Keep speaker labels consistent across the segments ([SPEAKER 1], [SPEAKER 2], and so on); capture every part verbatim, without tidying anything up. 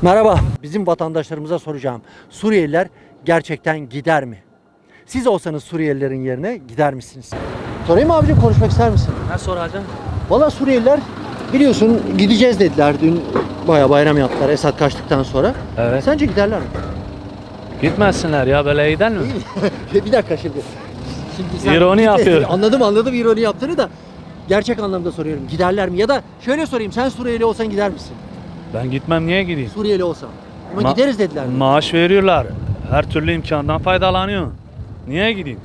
[SPEAKER 1] Merhaba. Bizim vatandaşlarımıza soracağım. Suriyeliler gerçekten gider mi? Siz olsanız Suriyelilerin yerine gider misiniz? Sorayım mı abicim, konuşmak ister misin?
[SPEAKER 2] Ne soracağım?
[SPEAKER 1] Valla Suriyeliler biliyorsun gideceğiz dediler. Dün bayağı bayram yaptılar Esad kaçtıktan sonra.
[SPEAKER 2] Evet.
[SPEAKER 1] Sence giderler mi?
[SPEAKER 2] Gitmesinler ya, böyle gider mi?
[SPEAKER 1] Bir dakika şimdi. Şimdi
[SPEAKER 2] İroni yapıyor.
[SPEAKER 1] Anladım anladım ironi yaptığını da gerçek anlamda soruyorum. Giderler mi? Ya da şöyle sorayım, sen Suriyeli olsan gider misin?
[SPEAKER 2] Ben gitmem, niye gideyim?
[SPEAKER 1] Suriyeli olsam. Ama
[SPEAKER 2] Ma-
[SPEAKER 1] gideriz dediler. mi?
[SPEAKER 2] Maaş veriyorlar. Her türlü imkandan faydalanıyor. Niye gideyim?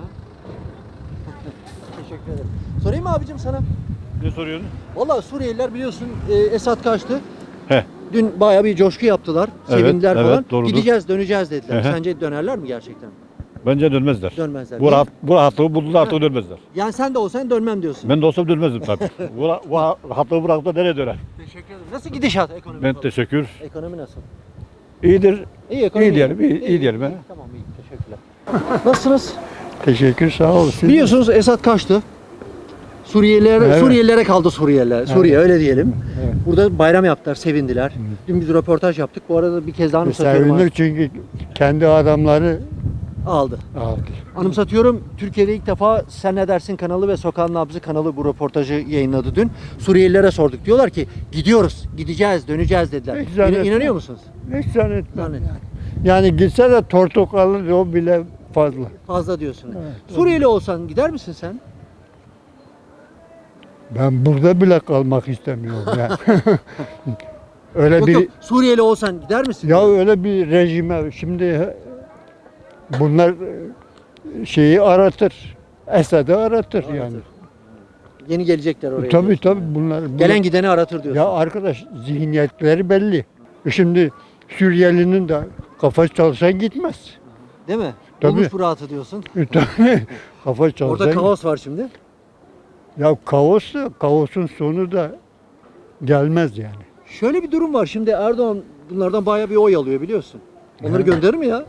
[SPEAKER 1] Teşekkür ederim. Sorayım mı abicim sana?
[SPEAKER 3] Ne soruyorsun?
[SPEAKER 1] Valla Suriyeliler biliyorsun e, Esad kaçtı.
[SPEAKER 3] He.
[SPEAKER 1] Dün bayağı bir coşku yaptılar.
[SPEAKER 3] Evet,
[SPEAKER 1] Sevindiler
[SPEAKER 3] evet,
[SPEAKER 1] falan.
[SPEAKER 3] doğrudur.
[SPEAKER 1] Gideceğiz, döneceğiz dediler.
[SPEAKER 3] Hı hı.
[SPEAKER 1] Sence dönerler mi gerçekten?
[SPEAKER 3] Bence dönmezler.
[SPEAKER 1] Dönmezler.
[SPEAKER 3] Bu,
[SPEAKER 1] Niye?
[SPEAKER 3] rahat, bu rahatlığı buldular, artık dönmezler.
[SPEAKER 1] Yani sen de olsan dönmem diyorsun.
[SPEAKER 3] Ben de olsam dönmezdim tabii. bu, ra- bu rahatlığı bırakıp da nereye döner?
[SPEAKER 1] Teşekkür ederim. Nasıl gidişat ekonomi?
[SPEAKER 3] Ben
[SPEAKER 1] falan?
[SPEAKER 3] teşekkür.
[SPEAKER 1] Ekonomi nasıl?
[SPEAKER 3] İyidir.
[SPEAKER 1] İyi ekonomi.
[SPEAKER 3] İyi diyelim, iyi- iyi diyelim, he.
[SPEAKER 1] Tamam iyi, teşekkürler. Nasılsınız?
[SPEAKER 4] Teşekkür, sağ olasın.
[SPEAKER 1] Biliyorsunuz Esad kaçtı. Suriyeliler,
[SPEAKER 4] Evet.
[SPEAKER 1] Suriyelilere kaldı Suriyeliler. Suriye öyle diyelim.
[SPEAKER 4] Evet.
[SPEAKER 1] Burada bayram yaptılar, sevindiler. Dün biz röportaj yaptık. Bu arada bir kez daha anımsatıyorum.
[SPEAKER 4] Sevindik çünkü kendi adamları
[SPEAKER 1] Aldı.
[SPEAKER 4] aldı.
[SPEAKER 1] Anımsatıyorum, Türkiye'de ilk defa Sen Ne Dersin kanalı ve Sokağın Nabzı kanalı bu röportajı yayınladı dün. Suriyelilere sorduk. Diyorlar ki gidiyoruz, gideceğiz, döneceğiz dediler.
[SPEAKER 4] Hiç zannetmem.
[SPEAKER 1] İna- İnanıyor musunuz?
[SPEAKER 4] Hiç zannetmem.
[SPEAKER 1] Zannetmem.
[SPEAKER 4] Yani gitse de tortuk alır, o bile fazla.
[SPEAKER 1] Fazla diyorsun.
[SPEAKER 4] Evet.
[SPEAKER 1] Suriyeli olsan gider misin sen?
[SPEAKER 4] Ben burada bile kalmak istemiyorum yani. öyle
[SPEAKER 1] Yok
[SPEAKER 4] bir
[SPEAKER 1] yok, Suriyeli olsan gider misin?
[SPEAKER 4] ya öyle bir rejime şimdi bunlar e, şeyi aratır. Esad'ı aratır,
[SPEAKER 1] Aratır.
[SPEAKER 4] yani.
[SPEAKER 1] Yeni gelecekler oraya.
[SPEAKER 4] Tabii
[SPEAKER 1] diyorsun.
[SPEAKER 4] tabii bunlar. bunlar-
[SPEAKER 1] Gelen gideni aratır diyorsun.
[SPEAKER 4] Ya arkadaş, zihniyetleri belli. Şimdi Suriyelinin de kafası çalışan gitmez.
[SPEAKER 1] Değil mi?
[SPEAKER 4] Tabii.
[SPEAKER 1] Olmuş bu rahatı diyorsun.
[SPEAKER 4] E, tabii. Kafası çalışan
[SPEAKER 1] Orada kaos var şimdi.
[SPEAKER 4] Ya kaos da, kaosun sonu da gelmez yani.
[SPEAKER 1] Şöyle bir durum var. Şimdi Erdoğan bunlardan bayağı bir oy alıyor biliyorsun. Onları gönderir mi ya?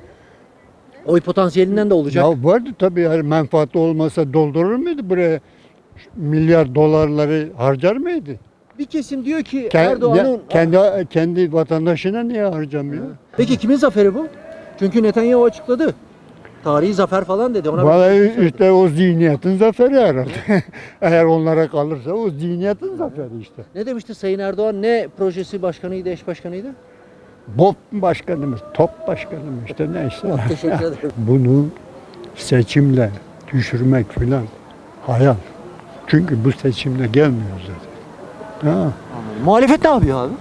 [SPEAKER 1] Oy potansiyelinden de olacak.
[SPEAKER 4] Ya vardı tabii, yani menfaatli olmasa doldurur muydu buraya milyar dolarları, harcar mıydı?
[SPEAKER 1] Bir kesim diyor ki
[SPEAKER 4] Ke-
[SPEAKER 1] Erdoğan'ın...
[SPEAKER 4] ya- kendi kendi vatandaşına niye harcamıyor?
[SPEAKER 1] Peki kimin zaferi bu? Çünkü Netanyahu açıkladı. Tarihi zafer falan dedi. Ona
[SPEAKER 4] Vallahi işte o zihniyetin zaferi herhalde. Eğer onlara kalırsa o zihniyetin zaferi işte.
[SPEAKER 1] Ne demişti Sayın Erdoğan? Ne projesi başkanıydı, eş başkanıydı?
[SPEAKER 4] BOP başkanımız, top başkanımız işte neyse.
[SPEAKER 1] Teşekkür ederim.
[SPEAKER 4] Bunu seçimle düşürmek filan hayal. Çünkü bu seçimle gelmiyor zaten. Ha,
[SPEAKER 1] Muhalefet ne yapıyor abi?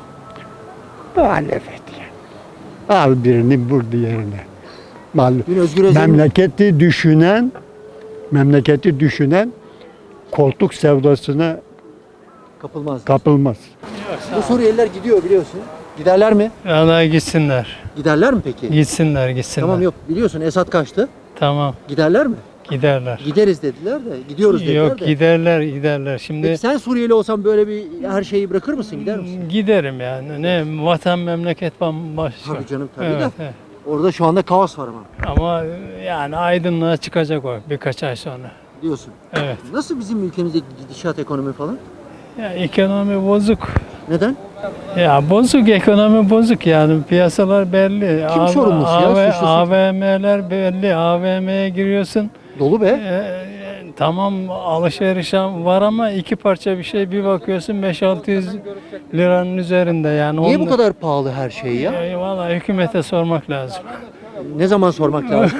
[SPEAKER 4] muhalefet yani. Al birini vur diğerine. Mal-
[SPEAKER 1] Dün Özgür Özel'in...
[SPEAKER 4] Memleketi düşünen, memleketi düşünen koltuk sevdasına
[SPEAKER 1] Kapılmaz.
[SPEAKER 4] kapılmaz.
[SPEAKER 1] Bu Suriyeliler gidiyor biliyorsun. Giderler mi?
[SPEAKER 5] Vallahi gitsinler.
[SPEAKER 1] Giderler mi peki?
[SPEAKER 5] Gitsinler, gitsinler.
[SPEAKER 1] Tamam yok biliyorsun Esad kaçtı.
[SPEAKER 5] Tamam,
[SPEAKER 1] Giderler mi?
[SPEAKER 5] giderler.
[SPEAKER 1] Gideriz dediler de gidiyoruz dediler
[SPEAKER 5] Yok,
[SPEAKER 1] de.
[SPEAKER 5] giderler, giderler. Şimdi
[SPEAKER 1] Peki sen Suriyeli olsan böyle bir her şeyi bırakır mısın, gider misin?
[SPEAKER 5] giderim yani. Ne vatan memleket bambaşka.
[SPEAKER 1] Tabii canım tabii
[SPEAKER 5] Evet,
[SPEAKER 1] de.
[SPEAKER 5] evet.
[SPEAKER 1] Orada şu anda kaos var ama
[SPEAKER 5] Ama yani aydınlığa çıkacak o birkaç ay sonra.
[SPEAKER 1] diyorsun.
[SPEAKER 5] Evet.
[SPEAKER 1] Nasıl bizim ülkemizde gidişat ekonomi falan?
[SPEAKER 5] Ya ekonomi bozuk.
[SPEAKER 1] Neden?
[SPEAKER 5] Ya bozuk, ekonomi bozuk yani, piyasalar belli.
[SPEAKER 1] Kim sorumlusu ya?
[SPEAKER 5] A V-
[SPEAKER 1] Suçlusu.
[SPEAKER 5] A V M'ler belli. A V M'ye giriyorsun.
[SPEAKER 1] Dolu be.
[SPEAKER 5] Ee, tamam, alışveriş var ama iki parça bir şey, bir bakıyorsun beş altı yüz liranın üzerinde yani.
[SPEAKER 1] Niye bu
[SPEAKER 5] Onu-
[SPEAKER 1] kadar pahalı her şey ya?
[SPEAKER 5] E, Vallahi hükümete sormak lazım.
[SPEAKER 1] Ne zaman sormak lazım?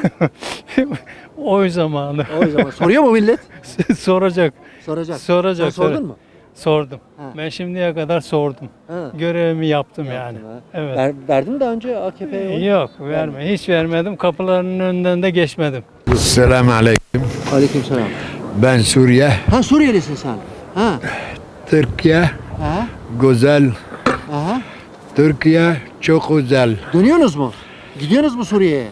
[SPEAKER 5] O zamanı.
[SPEAKER 1] O zaman soruyor mu millet?
[SPEAKER 5] Soracak.
[SPEAKER 1] Soracak.
[SPEAKER 5] Soracak.
[SPEAKER 1] Sen sordun
[SPEAKER 5] sor-
[SPEAKER 1] mu?
[SPEAKER 5] Sordum.
[SPEAKER 1] Ha.
[SPEAKER 5] Ben şimdiye kadar sordum.
[SPEAKER 1] Ha.
[SPEAKER 5] Görevimi yaptım yani.
[SPEAKER 1] Yaptın ha.
[SPEAKER 5] Evet.
[SPEAKER 1] Ver, verdin daha önce A K P'ye oy?
[SPEAKER 5] Yok, verme. Hiç vermedim. Kapılarının önünden de geçmedim.
[SPEAKER 6] Selamun aleyküm.
[SPEAKER 1] Aleykümselam.
[SPEAKER 6] Ben Suriye.
[SPEAKER 1] Ha Suriyelisin sen. Ha.
[SPEAKER 6] Türkiye
[SPEAKER 1] Ha.
[SPEAKER 6] güzel.
[SPEAKER 1] Aha.
[SPEAKER 6] Türkiye çok güzel.
[SPEAKER 1] Dönüyorsunuz mu? Gidiyorsunuz mu Suriye'ye?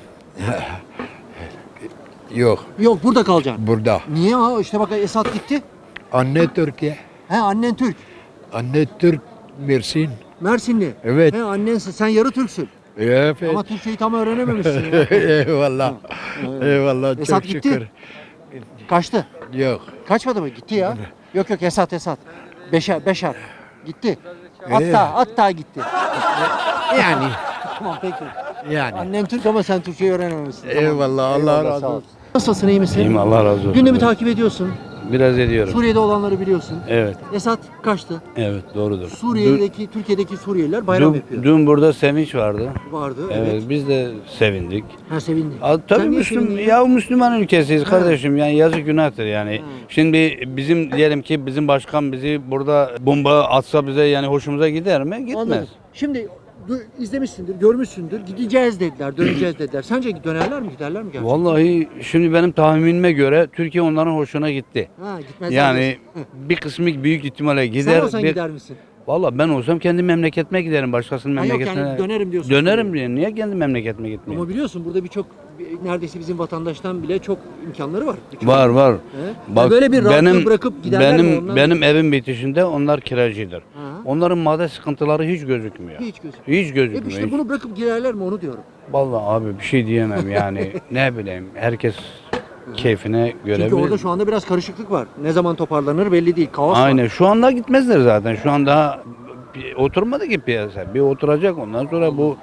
[SPEAKER 6] Yok
[SPEAKER 1] Yok burada kalacaksın.
[SPEAKER 6] burada.
[SPEAKER 1] Niye ha? İşte bak Esad gitti.
[SPEAKER 6] Anne Türkiye.
[SPEAKER 1] He annen Türk.
[SPEAKER 6] Anne Türk Mersin.
[SPEAKER 1] Mersinli.
[SPEAKER 6] Evet.
[SPEAKER 1] He annensin. Sen yarı Türksün.
[SPEAKER 6] Evet.
[SPEAKER 1] Ama Türkçeyi tam öğrenememişsin ya.
[SPEAKER 6] Eyvallah. Eyvallah.
[SPEAKER 1] Esad
[SPEAKER 6] Çok
[SPEAKER 1] gitti.
[SPEAKER 6] şükür.
[SPEAKER 1] Kaçtı.
[SPEAKER 6] Yok.
[SPEAKER 1] Kaçmadı mı? Gitti ya. Yok yok Esad Esad. Beşer Beşer. Gitti. Hatta hatta gitti. Yani. Tamam peki.
[SPEAKER 6] Yani.
[SPEAKER 1] Annem Türk ama sen Türkçeyi öğrenememişsin. Tamam.
[SPEAKER 6] Eyvallah, Allah
[SPEAKER 1] Eyvallah,
[SPEAKER 6] razı
[SPEAKER 1] sağ ol.
[SPEAKER 6] olsun.
[SPEAKER 1] Nasılsın, iyi misin?
[SPEAKER 2] İyiyim, Allah razı olsun.
[SPEAKER 1] Gündemi takip ediyorsun.
[SPEAKER 2] Biraz ediyorum.
[SPEAKER 1] Suriye'de olanları biliyorsun.
[SPEAKER 2] Evet,
[SPEAKER 1] Esad kaçtı.
[SPEAKER 2] evet doğrudur.
[SPEAKER 1] Suriye'deki, Türkiye'deki Suriyeliler bayram
[SPEAKER 2] Dün,
[SPEAKER 1] yapıyor.
[SPEAKER 2] dün burada sevinç vardı.
[SPEAKER 1] Vardı,
[SPEAKER 2] Evet,
[SPEAKER 1] evet.
[SPEAKER 2] biz de sevindik.
[SPEAKER 1] Ha sevindi.
[SPEAKER 2] A, tabii
[SPEAKER 1] Sen niye
[SPEAKER 2] Müslüm,
[SPEAKER 1] sevindin?
[SPEAKER 2] ya Müslüman ülkesiyiz kardeşim, yani yazık günahtır yani.
[SPEAKER 1] Ha.
[SPEAKER 2] Şimdi bizim diyelim ki bizim başkan bizi burada bomba atsa bize yani hoşumuza gider mi? Gitmez.
[SPEAKER 1] Anladım. Şimdi du- izlemişsindir, görmüşsündür. Gideceğiz dediler, döneceğiz dediler. Sence dönerler mi, giderler mi gerçekten?
[SPEAKER 2] Vallahi şimdi benim tahminime göre Türkiye onların hoşuna gitti.
[SPEAKER 1] Ha, gitmezler
[SPEAKER 2] Yani
[SPEAKER 1] diyorsun.
[SPEAKER 2] bir kısmı büyük ihtimalle
[SPEAKER 1] Sen
[SPEAKER 2] gider.
[SPEAKER 1] olsan
[SPEAKER 2] bir-
[SPEAKER 1] gider misin?
[SPEAKER 2] Vallahi ben olsam kendi memleketime giderim, başkasının
[SPEAKER 1] Ha yok
[SPEAKER 2] memleketine.
[SPEAKER 1] yani dönerim diyorsun.
[SPEAKER 2] Dönerim diye. Niye kendi memleketime gitmeyeyim?
[SPEAKER 1] Ama biliyorsun burada birçok bir- neredeyse bizim vatandaştan bile çok imkanları var. Birçok-
[SPEAKER 2] Var var.
[SPEAKER 1] He? Ya böyle bir rahatlığı bırakıp giderler mi
[SPEAKER 2] benim
[SPEAKER 1] onlar?
[SPEAKER 2] benim evim bitişinde onlar kiracıdır.
[SPEAKER 1] Ha.
[SPEAKER 2] Onların madde sıkıntıları hiç gözükmüyor.
[SPEAKER 1] Hiç gözükmüyor.
[SPEAKER 2] Hiç gözükmüyor.
[SPEAKER 1] E işte
[SPEAKER 2] hiç.
[SPEAKER 1] bunu bırakıp girerler mi onu diyorum.
[SPEAKER 2] Vallahi abi bir şey diyemem yani. Ne bileyim, herkes keyfine göre.
[SPEAKER 1] Çünkü
[SPEAKER 2] bilir.
[SPEAKER 1] orada şu anda biraz karışıklık var. Ne zaman toparlanır belli değil. Kaos var.
[SPEAKER 2] Aynen. Şu anda gitmezler zaten. Şu an daha bir oturmadı ki piyasa. Bir oturacak, ondan sonra bu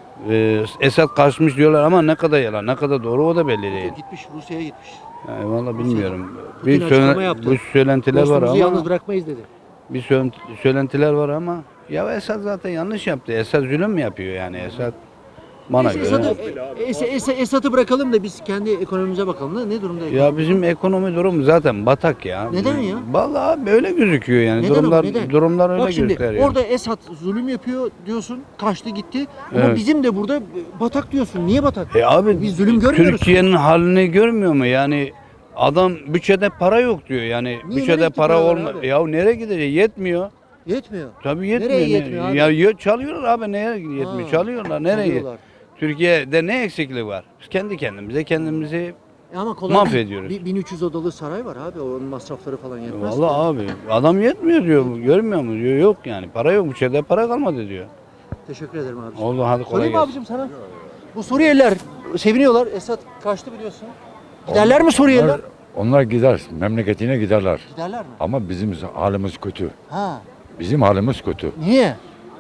[SPEAKER 2] e, Esad kaçmış diyorlar ama ne kadar yalan, ne kadar doğru o da belli değil.
[SPEAKER 1] Gitmiş Rusya'ya gitmiş.
[SPEAKER 2] Yani vallahi bilmiyorum.
[SPEAKER 1] Putin
[SPEAKER 2] Bir
[SPEAKER 1] açıklama
[SPEAKER 2] söyle,
[SPEAKER 1] yaptı.
[SPEAKER 2] bu söylentiler var
[SPEAKER 1] Dostumuzu
[SPEAKER 2] ama
[SPEAKER 1] yalnız bırakmayız dedi.
[SPEAKER 2] bir söylent- söylentiler var ama ya Esad zaten yanlış yaptı. Esad zulüm mü yapıyor yani Esad? Bana
[SPEAKER 1] Neyse,
[SPEAKER 2] göre.
[SPEAKER 1] Esad'ı, e, Es- Es- Esad'ı bırakalım da biz kendi ekonomimize bakalım. Ne, ne durumda?
[SPEAKER 2] Ya bizim ekonomi durum zaten batak ya.
[SPEAKER 1] Neden ya?
[SPEAKER 2] Vallahi böyle gözüküyor yani.
[SPEAKER 1] Neden ama,
[SPEAKER 2] durumlar
[SPEAKER 1] neden?
[SPEAKER 2] durumlar öyle
[SPEAKER 1] Bak şimdi
[SPEAKER 2] gösteriyor.
[SPEAKER 1] orada Esad zulüm yapıyor diyorsun. Kaçtı gitti. Ama
[SPEAKER 2] Evet.
[SPEAKER 1] bizim de burada batak diyorsun. Niye batak?
[SPEAKER 2] E abi
[SPEAKER 1] Biz zulüm görmüyoruz.
[SPEAKER 2] Türkiye'nin halini görmüyor mu? Yani adam bütçede para yok diyor. Yani
[SPEAKER 1] Niye, nereye
[SPEAKER 2] bütçede
[SPEAKER 1] gitti
[SPEAKER 2] para
[SPEAKER 1] paralar
[SPEAKER 2] olma.
[SPEAKER 1] abi?
[SPEAKER 2] Ya nereye gidecek? Yetmiyor.
[SPEAKER 1] Yetmiyor.
[SPEAKER 2] Tabii yetmiyor.
[SPEAKER 1] Nereye
[SPEAKER 2] Ne-
[SPEAKER 1] yetmiyor abi?
[SPEAKER 2] Ya ye- çalıyorlar abi, neye yetmiyor?
[SPEAKER 1] Ha,
[SPEAKER 2] Çalıyorlar. Nereye?
[SPEAKER 1] çalıyorlar.
[SPEAKER 2] Türkiye'de ne eksikliği var? Biz kendi kendimize kendimizi
[SPEAKER 1] E ama kolay
[SPEAKER 2] mahvediyoruz.
[SPEAKER 1] değil. Bir- bin üç yüz odalı saray var abi. Onun masrafları falan yetmez.
[SPEAKER 2] Vallahi abi adam yetmiyor diyor. Görmüyor mu diyor. Yok yani. Para yok. Bütçede para kalmadı diyor.
[SPEAKER 1] Teşekkür ederim abi.
[SPEAKER 2] Oldu, hadi kolay
[SPEAKER 1] Sorayım mı
[SPEAKER 2] gelsin.
[SPEAKER 1] abicim sana? Bu Suriyeliler seviniyorlar. Esad kaçtı biliyorsun. Giderler mi Suriyeliler?
[SPEAKER 4] Onlar, onlar gider, memleketine giderler.
[SPEAKER 1] Giderler mi?
[SPEAKER 4] Ama bizim halimiz kötü.
[SPEAKER 1] Ha.
[SPEAKER 4] Bizim halimiz kötü.
[SPEAKER 1] Niye?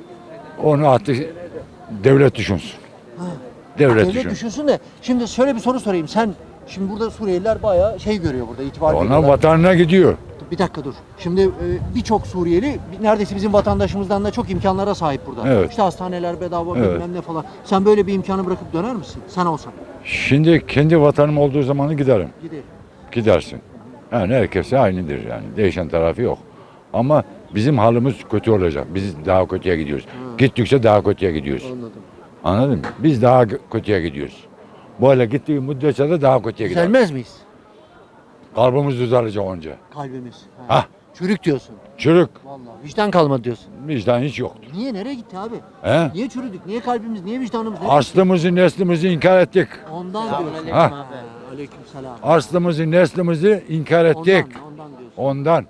[SPEAKER 4] Onu artık devlet düşünsün.
[SPEAKER 1] Ha.
[SPEAKER 4] Devlet,
[SPEAKER 1] Devlet
[SPEAKER 4] düşün.
[SPEAKER 1] düşünsün de şimdi şöyle bir soru sorayım. Sen şimdi burada Suriyeliler bayağı şey görüyor burada, itibar
[SPEAKER 4] Onlar
[SPEAKER 1] görüyorlar.
[SPEAKER 4] vatanına gidiyor.
[SPEAKER 1] Bir dakika dur. Şimdi e, birçok Suriyeli bir- neredeyse bizim vatandaşımızdan da çok imkanlara sahip burada.
[SPEAKER 4] Evet.
[SPEAKER 1] İşte hastaneler bedava
[SPEAKER 4] Evet.
[SPEAKER 1] bilmem ne falan. Sen böyle bir imkanı bırakıp döner misin? Sen olsan.
[SPEAKER 4] Şimdi kendi vatanım olduğu zamanı giderim.
[SPEAKER 1] Gidelim.
[SPEAKER 4] Gidersin. Yani herkese aynıdır yani. Değişen tarafı yok. Ama bizim halimiz kötü olacak. Biz daha kötüye gidiyoruz. Gittikçe daha kötüye gidiyoruz.
[SPEAKER 1] Anladım.
[SPEAKER 4] Anladın mı? Biz daha kö- kötüye gidiyoruz. Böyle gittiği müddetçe de daha kötüye gidiyoruz.
[SPEAKER 1] Düzelmez miyiz?
[SPEAKER 4] Kalbimiz düzelecek önce.
[SPEAKER 1] Kalbimiz. Ha.
[SPEAKER 4] Hah.
[SPEAKER 1] Çürük diyorsun.
[SPEAKER 4] Çürük.
[SPEAKER 1] Vallahi vicdan kalmadı diyorsun.
[SPEAKER 4] Vicdan hiç yoktur.
[SPEAKER 1] Niye, nereye gitti abi?
[SPEAKER 4] He?
[SPEAKER 1] Niye çürüdük? Niye kalbimiz? Niye vicdanımız? Nereye gitti?
[SPEAKER 4] Aslımızı, neslimizi inkar ettik.
[SPEAKER 1] Ondan diyorsun.
[SPEAKER 4] Ha.
[SPEAKER 1] Ha. Aleyküm selam.
[SPEAKER 4] Aslımızı, neslimizi inkar ettik.
[SPEAKER 1] Ondan, ondan diyorsun.
[SPEAKER 4] Ondan.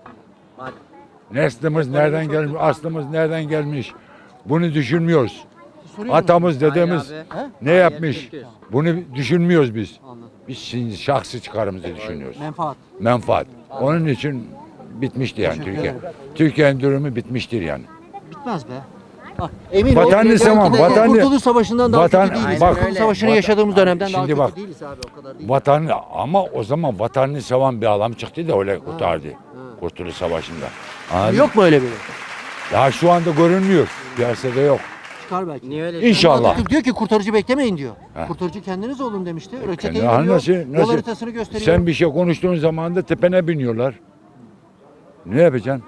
[SPEAKER 4] Neslimiz nereden gelmiş, aslımız nereden gelmiş? Bunu düşünmüyoruz.
[SPEAKER 1] Soruyorum.
[SPEAKER 4] Atamız, dedemiz
[SPEAKER 1] He?
[SPEAKER 4] ne yapmış? Bunu düşünmüyoruz biz.
[SPEAKER 1] Anladım.
[SPEAKER 4] Biz şimdi şahsi çıkarımızı düşünüyoruz.
[SPEAKER 1] Menfaat.
[SPEAKER 4] Menfaat. Onun için bitmişti yani
[SPEAKER 1] Teşekkür
[SPEAKER 4] Türkiye.
[SPEAKER 1] ederim.
[SPEAKER 4] Türkiye'nin durumu bitmiştir yani.
[SPEAKER 1] Bitmez be. Bak, emin
[SPEAKER 4] Vatanını
[SPEAKER 1] ol,
[SPEAKER 4] seven,
[SPEAKER 1] belki de
[SPEAKER 4] vatanını-
[SPEAKER 1] Kurtuluş Savaşı'ndan daha
[SPEAKER 4] Vatan-
[SPEAKER 1] kötü değiliz.
[SPEAKER 4] bak-
[SPEAKER 1] Kurtuluş Savaşı'nı
[SPEAKER 4] Vatan-
[SPEAKER 1] yaşadığımız dönemden daha
[SPEAKER 4] Şimdi
[SPEAKER 1] kötü
[SPEAKER 4] bak,
[SPEAKER 1] değiliz abi, o kadar değil.
[SPEAKER 4] Vatan ama o zaman vatanını seven bir adam çıktı da öyle kurtardı. Kurtuluş Savaşı'nda. Anladın mı?
[SPEAKER 1] Yok mu öyle biri?
[SPEAKER 4] Ya şu anda görünmüyor. Piyasada yok.
[SPEAKER 1] Çıkar belki.
[SPEAKER 7] Niye öyle?
[SPEAKER 4] İnşallah.
[SPEAKER 1] Atatürk diyor ki kurtarıcı beklemeyin diyor.
[SPEAKER 4] He.
[SPEAKER 1] Kurtarıcı kendiniz olun demişti. Reçeteyi
[SPEAKER 4] Kendi- Ha,
[SPEAKER 1] veriyor,
[SPEAKER 4] nasıl-
[SPEAKER 1] yol
[SPEAKER 4] nasıl?
[SPEAKER 1] haritasını gösteriyor.
[SPEAKER 4] Sen bir şey konuştuğun zaman da tepene biniyorlar. Ne yapacaksın?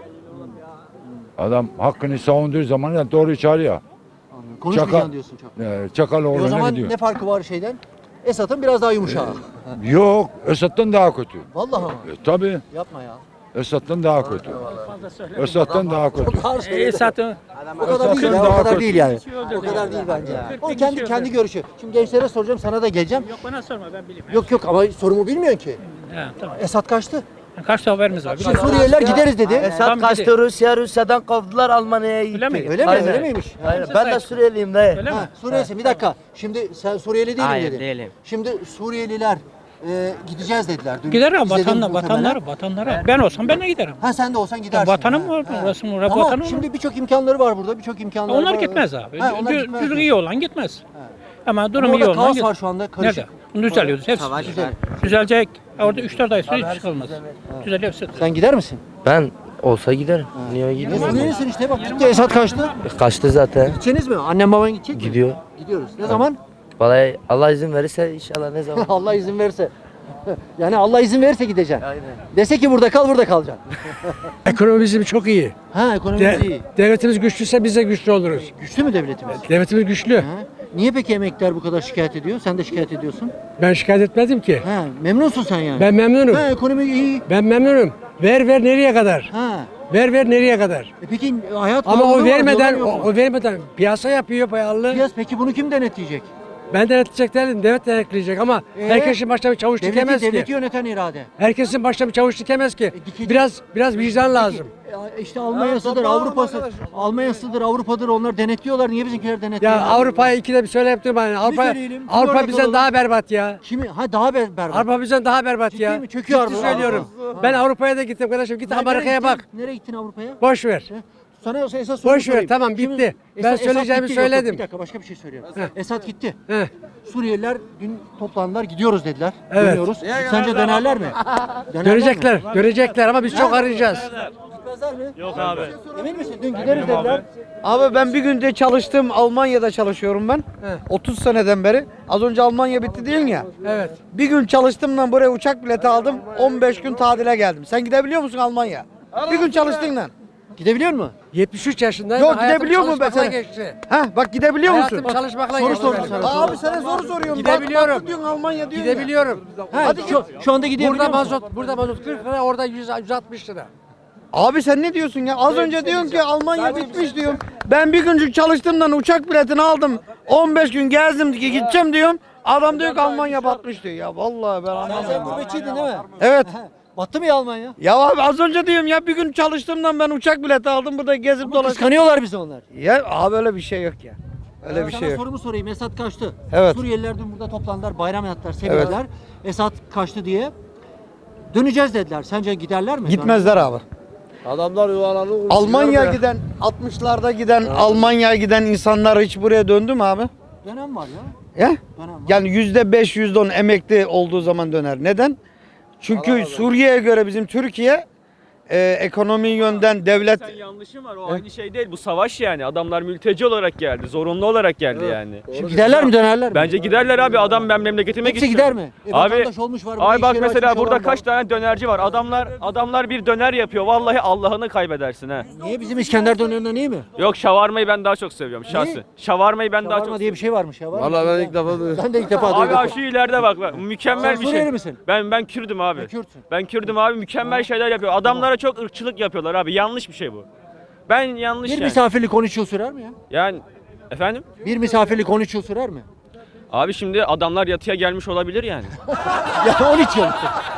[SPEAKER 4] Adam hakkını savunduğu zaman da doğru çağırıyor.
[SPEAKER 1] Anladım. Konuşmayacaksın
[SPEAKER 4] Çakal-
[SPEAKER 1] diyorsun çok.
[SPEAKER 4] Ee,
[SPEAKER 1] E o
[SPEAKER 4] Çakaloğlu'na
[SPEAKER 1] zaman
[SPEAKER 4] gidiyor.
[SPEAKER 1] ne farkı var şeyden? Esad'ın biraz daha yumuşağı.
[SPEAKER 4] Yok, Esad'dan daha kötü.
[SPEAKER 1] Vallahi ama.
[SPEAKER 4] E, tabii,
[SPEAKER 1] Yapma ya.
[SPEAKER 4] Esad'dan daha kötü. Esad'dan daha kötü.
[SPEAKER 5] Esat'ın
[SPEAKER 1] O kadar değil ya,
[SPEAKER 4] Esad'dan
[SPEAKER 1] o
[SPEAKER 4] daha
[SPEAKER 1] kadar
[SPEAKER 4] kötü.
[SPEAKER 1] değil yani. O kadar değil bence. O kendi kendi görüşü. Şimdi gençlere soracağım, sana da geleceğim.
[SPEAKER 5] Yok bana sorma ben bileyim.
[SPEAKER 1] Yok yok ama sorumu bilmiyorsun ki.
[SPEAKER 5] He, tamam.
[SPEAKER 1] Esad kaçtı.
[SPEAKER 5] Kaç haberimiz var?
[SPEAKER 1] Şimdi Suriyeliler gideriz dedi.
[SPEAKER 7] Esad
[SPEAKER 5] Tamam,
[SPEAKER 7] kaçtı Rusya, Rusya'dan kovdular Almanya'ya gitti.
[SPEAKER 5] Öyle mi?
[SPEAKER 1] Öyle mi?
[SPEAKER 7] Aynen.
[SPEAKER 1] Öyle miymiş?
[SPEAKER 7] Aynen. Ben de Suriyeliyim dayı.
[SPEAKER 5] Öyle mi?
[SPEAKER 1] Ha, Suriyelisin. Bir dakika. Şimdi sen Suriyeli değilim
[SPEAKER 7] Hayır,
[SPEAKER 1] dedin.
[SPEAKER 7] değilim.
[SPEAKER 1] Şimdi Suriyeliler e, gideceğiz dediler. Dün
[SPEAKER 8] Giderim
[SPEAKER 1] izledim
[SPEAKER 8] vatanla,
[SPEAKER 1] muhtemelen.
[SPEAKER 8] vatanlara, vatanlara. Ben olsam ben de giderim.
[SPEAKER 1] Ha sen de olsan gidersin.
[SPEAKER 8] Vatanım
[SPEAKER 1] Ha,
[SPEAKER 8] var,
[SPEAKER 1] ha.
[SPEAKER 8] orası orası
[SPEAKER 1] Ama
[SPEAKER 8] vatanım var.
[SPEAKER 1] şimdi birçok imkanları var burada. Birçok imkanları
[SPEAKER 8] Onlar
[SPEAKER 1] var.
[SPEAKER 8] gitmez abi.
[SPEAKER 1] Ha, onlar
[SPEAKER 8] Düz-
[SPEAKER 1] gitmez
[SPEAKER 8] düzgün
[SPEAKER 1] mi?
[SPEAKER 8] iyi olan gitmez. Ama durum
[SPEAKER 1] Ama
[SPEAKER 8] iyi
[SPEAKER 1] orada
[SPEAKER 8] olan
[SPEAKER 1] kaos
[SPEAKER 8] git-
[SPEAKER 1] var şu anda. Karışık.
[SPEAKER 8] Nerede? Bunu düzeliyoruz. Hepsi
[SPEAKER 1] Güzel.
[SPEAKER 8] düzelecek. Orada üç dört ay sonra hiç çıkılmaz. Düzeliyor hepsi.
[SPEAKER 1] Sen gider misin?
[SPEAKER 7] Ben olsa giderim. Niye
[SPEAKER 1] Ne
[SPEAKER 7] gideyim?
[SPEAKER 1] Suriyelisin işte bak gitti Esad kaçtı.
[SPEAKER 7] Kaçtı zaten.
[SPEAKER 1] Gideceğiniz mi? Annem baban gidecek mi?
[SPEAKER 7] Gidiyor.
[SPEAKER 1] Gidiyoruz. Ne zaman?
[SPEAKER 7] Vallahi Allah izin verirse inşallah ne zaman.
[SPEAKER 1] Allah izin verirse. Yani Allah izin verirse gideceksin.
[SPEAKER 7] Aynen.
[SPEAKER 1] Dese ki burada kal burada kalacaksın.
[SPEAKER 9] Ekonomi bizim çok iyi.
[SPEAKER 1] Ha ekonomimiz
[SPEAKER 9] De-
[SPEAKER 1] iyi.
[SPEAKER 9] devletimiz güçlüyse biz de güçlü oluruz.
[SPEAKER 1] Güçlü mü devletimiz?
[SPEAKER 9] Devletimiz güçlü.
[SPEAKER 1] Ha? Niye peki emekliler bu kadar şikayet ediyor? Sen de şikayet ediyorsun.
[SPEAKER 9] Ben şikayet etmedim ki.
[SPEAKER 1] Ha, memnunsun sen yani.
[SPEAKER 9] Ben memnunum.
[SPEAKER 1] Ha, ekonomi iyi.
[SPEAKER 9] Ben memnunum. Ver ver nereye kadar?
[SPEAKER 1] Ha.
[SPEAKER 9] Ver ver nereye kadar?
[SPEAKER 1] E peki hayat
[SPEAKER 9] Ama
[SPEAKER 1] pahalılığı
[SPEAKER 9] o
[SPEAKER 1] var,
[SPEAKER 9] vermeden
[SPEAKER 1] diyorlar
[SPEAKER 9] o,
[SPEAKER 1] yok mu?
[SPEAKER 9] o vermeden piyasa yapıyor pahalı.
[SPEAKER 1] Piyas, peki bunu kim denetleyecek?
[SPEAKER 9] Ben denetleyecek değilim. Devlet denetleyecek ama
[SPEAKER 1] Ee?
[SPEAKER 9] herkesin başına bir çavuş
[SPEAKER 1] Devleti,
[SPEAKER 9] dikemez
[SPEAKER 1] devleti
[SPEAKER 9] ki.
[SPEAKER 1] yöneten irade.
[SPEAKER 9] Herkesin başına bir çavuş dikemez ki.
[SPEAKER 1] dikecek.
[SPEAKER 9] Biraz biraz vicdan lazım.
[SPEAKER 1] E, İşte Almanya'sıdır, Avrupa'sı, Almanya'sıdır, Avrupa'dır onlar denetliyorlar. Niye bizimkiler denetliyor?
[SPEAKER 9] Ya Avrupa'ya ikide bir söyleyip durma. Yani Avrupa,
[SPEAKER 1] söyleyelim, bir
[SPEAKER 9] Avrupa
[SPEAKER 1] örnek
[SPEAKER 9] bizden
[SPEAKER 1] alalım.
[SPEAKER 9] daha berbat ya.
[SPEAKER 1] Kimi? Ha daha ber berbat.
[SPEAKER 9] Avrupa bizden daha berbat
[SPEAKER 1] Ciddi
[SPEAKER 9] ya.
[SPEAKER 1] mi? Çöküyor
[SPEAKER 9] Ciddi
[SPEAKER 1] Avrupa.
[SPEAKER 9] söylüyorum.
[SPEAKER 1] Ha.
[SPEAKER 9] Ben Avrupa'ya da gittim kardeşim. Git
[SPEAKER 1] Nereye
[SPEAKER 9] Amerika'ya
[SPEAKER 1] gittin?
[SPEAKER 9] bak.
[SPEAKER 1] Nereye gittin Avrupa'ya?
[SPEAKER 9] Boş ver.
[SPEAKER 1] Sana esas soru
[SPEAKER 9] Boş ver,
[SPEAKER 1] sorayım.
[SPEAKER 9] tamam,
[SPEAKER 1] Kimin-
[SPEAKER 9] bitti. Ben
[SPEAKER 1] Esad-
[SPEAKER 9] söyleyeceğimi
[SPEAKER 1] Esad gitti, yok, yok,
[SPEAKER 9] söyledim.
[SPEAKER 1] Bir dakika başka bir şey söylüyorum.
[SPEAKER 9] Heh.
[SPEAKER 1] Esad gitti.
[SPEAKER 9] Heh.
[SPEAKER 1] Suriyeliler dün toplandılar gidiyoruz dediler.
[SPEAKER 9] Evet.
[SPEAKER 1] Dönüyoruz. Sence dönerler mi? Dönerler
[SPEAKER 9] Görecekler,
[SPEAKER 1] mi?
[SPEAKER 9] görecekler ama biz çok arayacağız.
[SPEAKER 1] Gitmezler mi? Yok abi. Emin misin? Dün gideriz dediler.
[SPEAKER 10] Abi ben bir günde çalıştım. Almanya'da çalışıyorum ben.
[SPEAKER 9] He.
[SPEAKER 10] otuz seneden beri. Az önce Almanya bitti değil mi ya?
[SPEAKER 9] Evet.
[SPEAKER 10] Bir gün çalıştım lan buraya uçak bileti aldım. on beş gün tatile geldim. Sen gidebiliyor musun Almanya? Bir gün çalıştın lan.
[SPEAKER 1] Gidebiliyor mu?
[SPEAKER 9] yetmiş üç yaşındayım.
[SPEAKER 10] Yok,
[SPEAKER 9] hayatım
[SPEAKER 10] gidebiliyor mu ben
[SPEAKER 9] çalışmakla
[SPEAKER 10] sana?
[SPEAKER 9] geçti.
[SPEAKER 10] Ha bak gidebiliyor musun?
[SPEAKER 9] Hayatım çalışmakla
[SPEAKER 1] Soru
[SPEAKER 9] geçti.
[SPEAKER 1] sordu
[SPEAKER 9] benim.
[SPEAKER 1] sana.
[SPEAKER 10] Abi sana soru soruyorum.
[SPEAKER 9] Gidebiliyorum.
[SPEAKER 10] Bak, bak diyorsun Almanya diyorsun ya.
[SPEAKER 9] Gidebiliyorum.
[SPEAKER 1] Ha, şu, şu anda gidebiliyor
[SPEAKER 9] Burada
[SPEAKER 1] musun?
[SPEAKER 9] mazot, burada mazot kırk lira, orada yüz altmış lira.
[SPEAKER 10] Abi sen ne diyorsun ya? Az önce diyorsun ki Almanya bitmiş diyorum. Ben bir güncük çalıştığımdan uçak biletini aldım. on beş gün gezdim ki gideceğim diyorum. Adam diyor ki Almanya batmış diyor. Ya vallahi ben
[SPEAKER 1] Sen
[SPEAKER 10] anlamıyorum.
[SPEAKER 1] gurbetçiydin değil mi?
[SPEAKER 10] Evet.
[SPEAKER 1] Battı mı ya Almanya?
[SPEAKER 10] Ya abi az önce diyorum ya bir gün çalıştığımdan ben uçak bileti aldım burada gezip dolaşıyorum.
[SPEAKER 1] Kıskanıyorlar bizi onlar.
[SPEAKER 10] Ya abi öyle bir şey yok ya. Öyle bir
[SPEAKER 1] Sana
[SPEAKER 10] şey yok.
[SPEAKER 1] sorumu sorayım. Esad kaçtı.
[SPEAKER 10] Evet.
[SPEAKER 1] Suriyeliler dün burada toplandılar, bayram yaptılar, sevindiler. Esad kaçtı diye. Döneceğiz dediler. Sence giderler mi?
[SPEAKER 10] Gitmezler abi.
[SPEAKER 3] Adamlar yuvalanı
[SPEAKER 10] Almanya'ya giden altmışlarda giden Almanya'ya giden insanlar hiç buraya döndü mü abi?
[SPEAKER 1] Dönem var ya.
[SPEAKER 10] Ya?
[SPEAKER 1] Dönem var.
[SPEAKER 10] Yani yüzde beş yüzde on emekli olduğu zaman döner. Neden? Çünkü Suriye'ye göre bizim Türkiye e, ekonomi yönden devlet
[SPEAKER 11] Sen yanlışın var o aynı şey değil bu savaş yani adamlar mülteci olarak geldi zorunlu olarak geldi yani.
[SPEAKER 1] Şimdi giderler mi dönerler mi?
[SPEAKER 11] Bence giderler abi adam ben memleketime
[SPEAKER 1] Hepsi
[SPEAKER 11] gideceğim.
[SPEAKER 1] gider mi? E,
[SPEAKER 11] Abi,
[SPEAKER 1] vatandaş olmuş var. burada
[SPEAKER 11] Ay
[SPEAKER 1] iş
[SPEAKER 11] bak
[SPEAKER 1] yeri
[SPEAKER 11] mesela
[SPEAKER 1] açmış
[SPEAKER 11] burada
[SPEAKER 1] olan
[SPEAKER 11] kaç
[SPEAKER 1] var.
[SPEAKER 11] tane dönerci var adamlar adamlar bir döner yapıyor vallahi Allah'ını kaybedersin ha.
[SPEAKER 1] Niye bizim İskender dönerinden iyi mi?
[SPEAKER 11] Yok şavarmayı ben daha çok seviyorum şahsi. Şavarmayı ben daha çok
[SPEAKER 1] Şavarma diye bir şey varmış ya. Var mı?
[SPEAKER 3] Valla ben ilk defa duydum.
[SPEAKER 1] Ben de ilk defa
[SPEAKER 11] Abi,
[SPEAKER 1] duydum.
[SPEAKER 11] abi şu ileride bak, bak mükemmel
[SPEAKER 1] Sen
[SPEAKER 11] bir
[SPEAKER 1] Suriyeli
[SPEAKER 11] şey.
[SPEAKER 1] misin?
[SPEAKER 11] Ben ben Kürdüm abi.
[SPEAKER 1] Ha, Kürtsün.
[SPEAKER 11] Ben Kürdüm abi mükemmel şeyler yapıyor. Adamlara çok ırkçılık yapıyorlar abi. Yanlış bir şey bu. Ben yanlış
[SPEAKER 1] Bir
[SPEAKER 11] yani.
[SPEAKER 1] misafirlik on üç yıl sürer mi ya?
[SPEAKER 11] Yani efendim?
[SPEAKER 1] Bir misafirlik on üç yıl sürer mi?
[SPEAKER 11] Abi şimdi adamlar yatıya gelmiş olabilir yani.
[SPEAKER 1] Ya on üç yıl.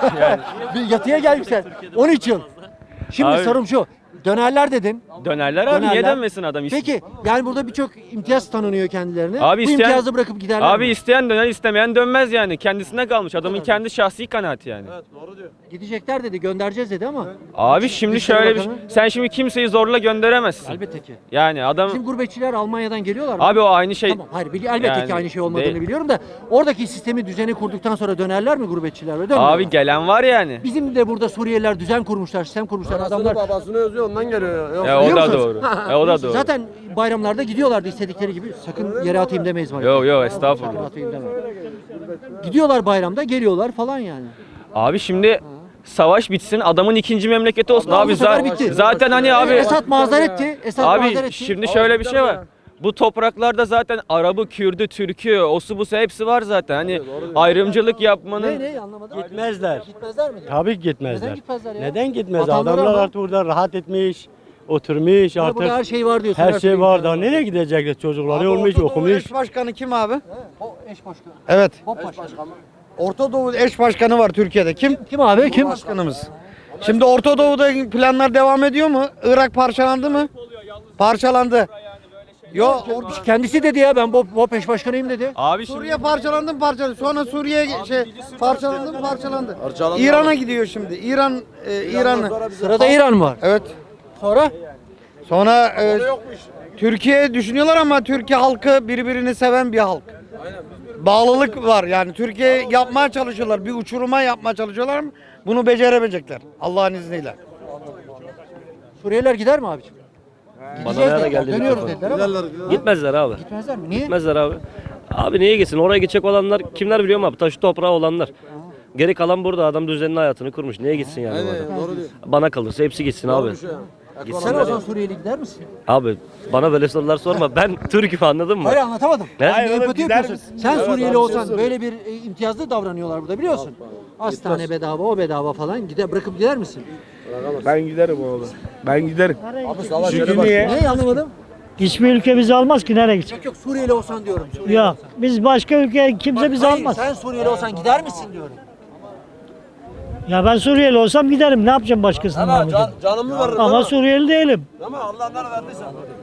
[SPEAKER 1] Bir yatıya gelmişler. on üç yıl. Şimdi
[SPEAKER 11] Abi-
[SPEAKER 1] sorum şu. Dönerler dedin.
[SPEAKER 11] Dönerler abi niye
[SPEAKER 1] Dönerler.
[SPEAKER 11] dönmesin adam? İst-
[SPEAKER 1] Peki yani burada birçok imtiyaz tanınıyor kendilerine.
[SPEAKER 11] Abi
[SPEAKER 1] Bu
[SPEAKER 11] isteyen-
[SPEAKER 1] imtiyazı bırakıp giderler
[SPEAKER 11] Abi
[SPEAKER 1] mi?
[SPEAKER 11] isteyen döner istemeyen dönmez yani. Kendisine kalmış. Adamın kendi şahsi kanaati yani.
[SPEAKER 1] Gidecekler dedi, göndereceğiz dedi ama.
[SPEAKER 11] Abi şimdi
[SPEAKER 1] Dışişleri
[SPEAKER 11] şöyle bir
[SPEAKER 1] Bakanı-
[SPEAKER 11] sen şimdi kimseyi zorla gönderemezsin.
[SPEAKER 1] Elbette ki.
[SPEAKER 11] Yani adam
[SPEAKER 1] Bizim gurbetçiler Almanya'dan geliyorlar mı?
[SPEAKER 11] abi o aynı şey.
[SPEAKER 1] Tamam, hayır bili- elbette
[SPEAKER 11] Yani
[SPEAKER 1] ki aynı şey olmadığını
[SPEAKER 11] değil.
[SPEAKER 1] biliyorum da oradaki sistemi düzeni kurduktan sonra dönerler mi gurbetçiler ve dönmüyorlar?
[SPEAKER 11] Abi gelen var yani.
[SPEAKER 1] Bizim de burada Suriyeliler düzen kurmuşlar, sistem kurmuşlar. Adamlar
[SPEAKER 3] babasını özlüyor ondan geliyor. Yok.
[SPEAKER 11] Ya o
[SPEAKER 1] Biliyor
[SPEAKER 11] da
[SPEAKER 1] musunuz?
[SPEAKER 11] doğru. E, o da doğru.
[SPEAKER 1] Zaten bayramlarda gidiyorlardı istedikleri gibi. Sakın yere atayım demeyiz var.
[SPEAKER 11] Yok yok
[SPEAKER 1] Yere
[SPEAKER 11] estağfurullah.
[SPEAKER 1] atayım deme. Gidiyorlar bayramda, geliyorlar falan yani.
[SPEAKER 11] Abi şimdi savaş bitsin adamın ikinci memleketi olsun.
[SPEAKER 1] Abi
[SPEAKER 11] Abi,
[SPEAKER 1] bu sefer
[SPEAKER 11] za-
[SPEAKER 1] bitti.
[SPEAKER 11] zaten hani abi
[SPEAKER 1] Esad mazeretti. Esad
[SPEAKER 11] Abi
[SPEAKER 1] mazeretti.
[SPEAKER 11] şimdi şöyle bir şey var. Bu topraklarda zaten Arabı, Kürdü, Türkü, osu busu hepsi var zaten. Hani ayrımcılık
[SPEAKER 1] Ne
[SPEAKER 11] yapmanın
[SPEAKER 1] ne anlamadım.
[SPEAKER 9] Gitmezler.
[SPEAKER 1] Gitmezler mi?
[SPEAKER 9] Tabii ki
[SPEAKER 1] Neden
[SPEAKER 9] gitmezler.
[SPEAKER 1] gitmezler ya?
[SPEAKER 9] Neden gitmez?
[SPEAKER 1] Vatanları
[SPEAKER 9] Adamlar
[SPEAKER 1] ama-
[SPEAKER 9] artık burada rahat etmiş, oturmuş
[SPEAKER 1] Ya
[SPEAKER 9] artık.
[SPEAKER 1] burada her şey var diyorsun.
[SPEAKER 9] Her
[SPEAKER 1] türlü
[SPEAKER 9] şey var.
[SPEAKER 1] imkan
[SPEAKER 9] Daha nereye gidecekler? Çocukları
[SPEAKER 10] Abi
[SPEAKER 9] olmuş,
[SPEAKER 10] Orta Doğu
[SPEAKER 9] okumuş.
[SPEAKER 10] eş başkanı kim abi?
[SPEAKER 1] O eş başkanı.
[SPEAKER 10] Evet.
[SPEAKER 1] Bob başkanı.
[SPEAKER 10] Orta Doğu eş başkanı var Türkiye'de. Kim?
[SPEAKER 1] Kim abi? Kim?
[SPEAKER 10] Başkanımız. Şimdi Orta Doğu'da planlar devam ediyor mu? Irak parçalandı mı? Parçalandı. Yo
[SPEAKER 1] Kendisi dedi ya ben BOP, BOP eş başkanıyım dedi.
[SPEAKER 11] Abi şimdi
[SPEAKER 10] Suriye parçalandı parçalandı. Sonra Suriye şey parçalandı parçalandı. İran'a gidiyor şimdi. İran e, İran'ı.
[SPEAKER 1] Sırada İran var.
[SPEAKER 10] Evet.
[SPEAKER 1] Sonra
[SPEAKER 10] Sonra e, Türkiye düşünüyorlar ama Türkiye halkı birbirini seven bir halk. Bağlılık var yani Türkiye yapmaya çalışıyorlar. Bir uçuruma yapmaya çalışıyorlar ama bunu beceremeyecekler. Allah'ın izniyle.
[SPEAKER 1] Suriyeliler gider mi abiciğim? Gideceğiz dediler. Dönüyoruz dediler ama
[SPEAKER 12] Gitmezler abi.
[SPEAKER 1] gitmezler mi? Niye?
[SPEAKER 12] Gitmezler abi. Abi niye gitsin? Oraya gidecek olanlar kimler biliyor musun abi? Taşı toprağı olanlar. Geri kalan burada adam düzenli hayatını kurmuş. Niye gitsin yani bu adam? Bana kalırsa hepsi gitsin abi.
[SPEAKER 1] Sen o zaman Suriyeli gider misin?
[SPEAKER 12] Abi bana böyle sorular sorma. Ben Türk'üm anladın mı?
[SPEAKER 1] Hayır anlatamadım.
[SPEAKER 12] Ne?
[SPEAKER 1] Yani empati yapıyorsun. Sen Suriyeli olsan böyle bir e, imtiyazlı davranıyorlar burada biliyorsun. Hastane bedava, o bedava falan. Gider bırakıp gider misin?
[SPEAKER 9] Ben giderim oğlum. Ben giderim.
[SPEAKER 1] Çünkü niye? Ne anlamadım?
[SPEAKER 5] Hiçbir ülke bizi almaz ki nereye gidecek?
[SPEAKER 1] Yok yok Suriyeli olsan diyorum. Suriyeli
[SPEAKER 5] Ya
[SPEAKER 1] olsan.
[SPEAKER 5] biz başka ülke kimse bizi
[SPEAKER 1] Hayır,
[SPEAKER 5] almaz.
[SPEAKER 1] sen Suriyeli olsan gider misin diyorum.
[SPEAKER 5] Ya ben Suriyeli olsam giderim. Ne yapacağım başkasının namına?
[SPEAKER 9] Canımı veririm.
[SPEAKER 5] Ama Suriyeli değilim.
[SPEAKER 9] Ama Allah ne verdiyse.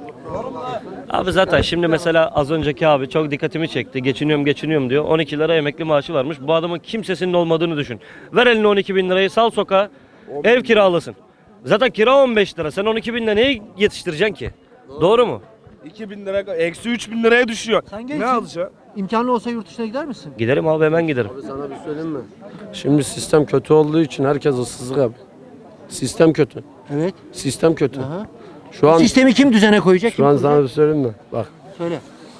[SPEAKER 12] Abi zaten şimdi mesela az önceki abi çok dikkatimi çekti. Geçiniyorum geçiniyorum diyor. on iki lira emekli maaşı varmış. Bu adamın kimsesinin olmadığını düşün. Ver eline on iki bin lirayı sal sokağa. Ev kiralasın. Zaten kira on beş lira. Sen on iki binle neyi yetiştireceksin ki? Doğru mu?
[SPEAKER 9] iki bin lira, eksi üç bin liraya düşüyor.
[SPEAKER 1] Sen gençsin. İmkanı olsa yurt dışına gider misin?
[SPEAKER 12] Giderim abi hemen giderim.
[SPEAKER 9] Sana bir söyleyeyim mi? Şimdi sistem kötü olduğu için herkes ıssızlık abi. Sistem kötü.
[SPEAKER 1] Evet.
[SPEAKER 9] Sistem kötü.
[SPEAKER 1] Aha.
[SPEAKER 9] Şu an
[SPEAKER 1] Sistemi kim düzene koyacak?
[SPEAKER 9] şu
[SPEAKER 1] kim
[SPEAKER 9] an
[SPEAKER 1] kuracak?
[SPEAKER 9] sana bir söyleyeyim mi? Bak.
[SPEAKER 1] Söyle.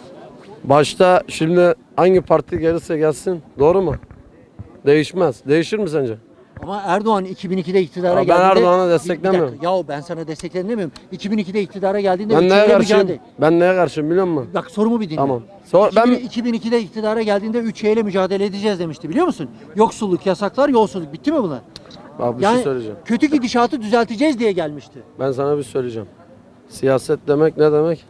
[SPEAKER 9] Başta şimdi hangi parti gelirse gelsin doğru mu? Değişmez. Değişir mi sence?
[SPEAKER 1] Ama Erdoğan iki bin ikide iktidara
[SPEAKER 9] Ya ben
[SPEAKER 1] geldiğinde...
[SPEAKER 9] Erdoğan'ı
[SPEAKER 1] Bir-
[SPEAKER 9] desteklemiyorum.
[SPEAKER 1] Bir dakika, yahu ben sana desteklerim demiyorum. iki bin ikide iktidara geldiğinde
[SPEAKER 9] Ben neye
[SPEAKER 1] ülkeyle
[SPEAKER 9] karşıyım?
[SPEAKER 1] mücadele...
[SPEAKER 9] Ben neye karşıyım biliyor musun?
[SPEAKER 1] Bak sorumu bir dinle.
[SPEAKER 9] Tamam. Sor,
[SPEAKER 1] iki bin,
[SPEAKER 9] ben
[SPEAKER 1] iki bin ikide iktidara geldiğinde üç şeyle mücadele edeceğiz demişti biliyor musun? Yoksulluk, yasaklar, yolsuzluk. Bitti mi bunlar?
[SPEAKER 9] Bak bir
[SPEAKER 1] Yani
[SPEAKER 9] şey söyleyeceğim.
[SPEAKER 1] kötü gidişatı düzelteceğiz diye gelmişti.
[SPEAKER 9] Ben sana bir söyleyeceğim. Siyaset demek ne demek?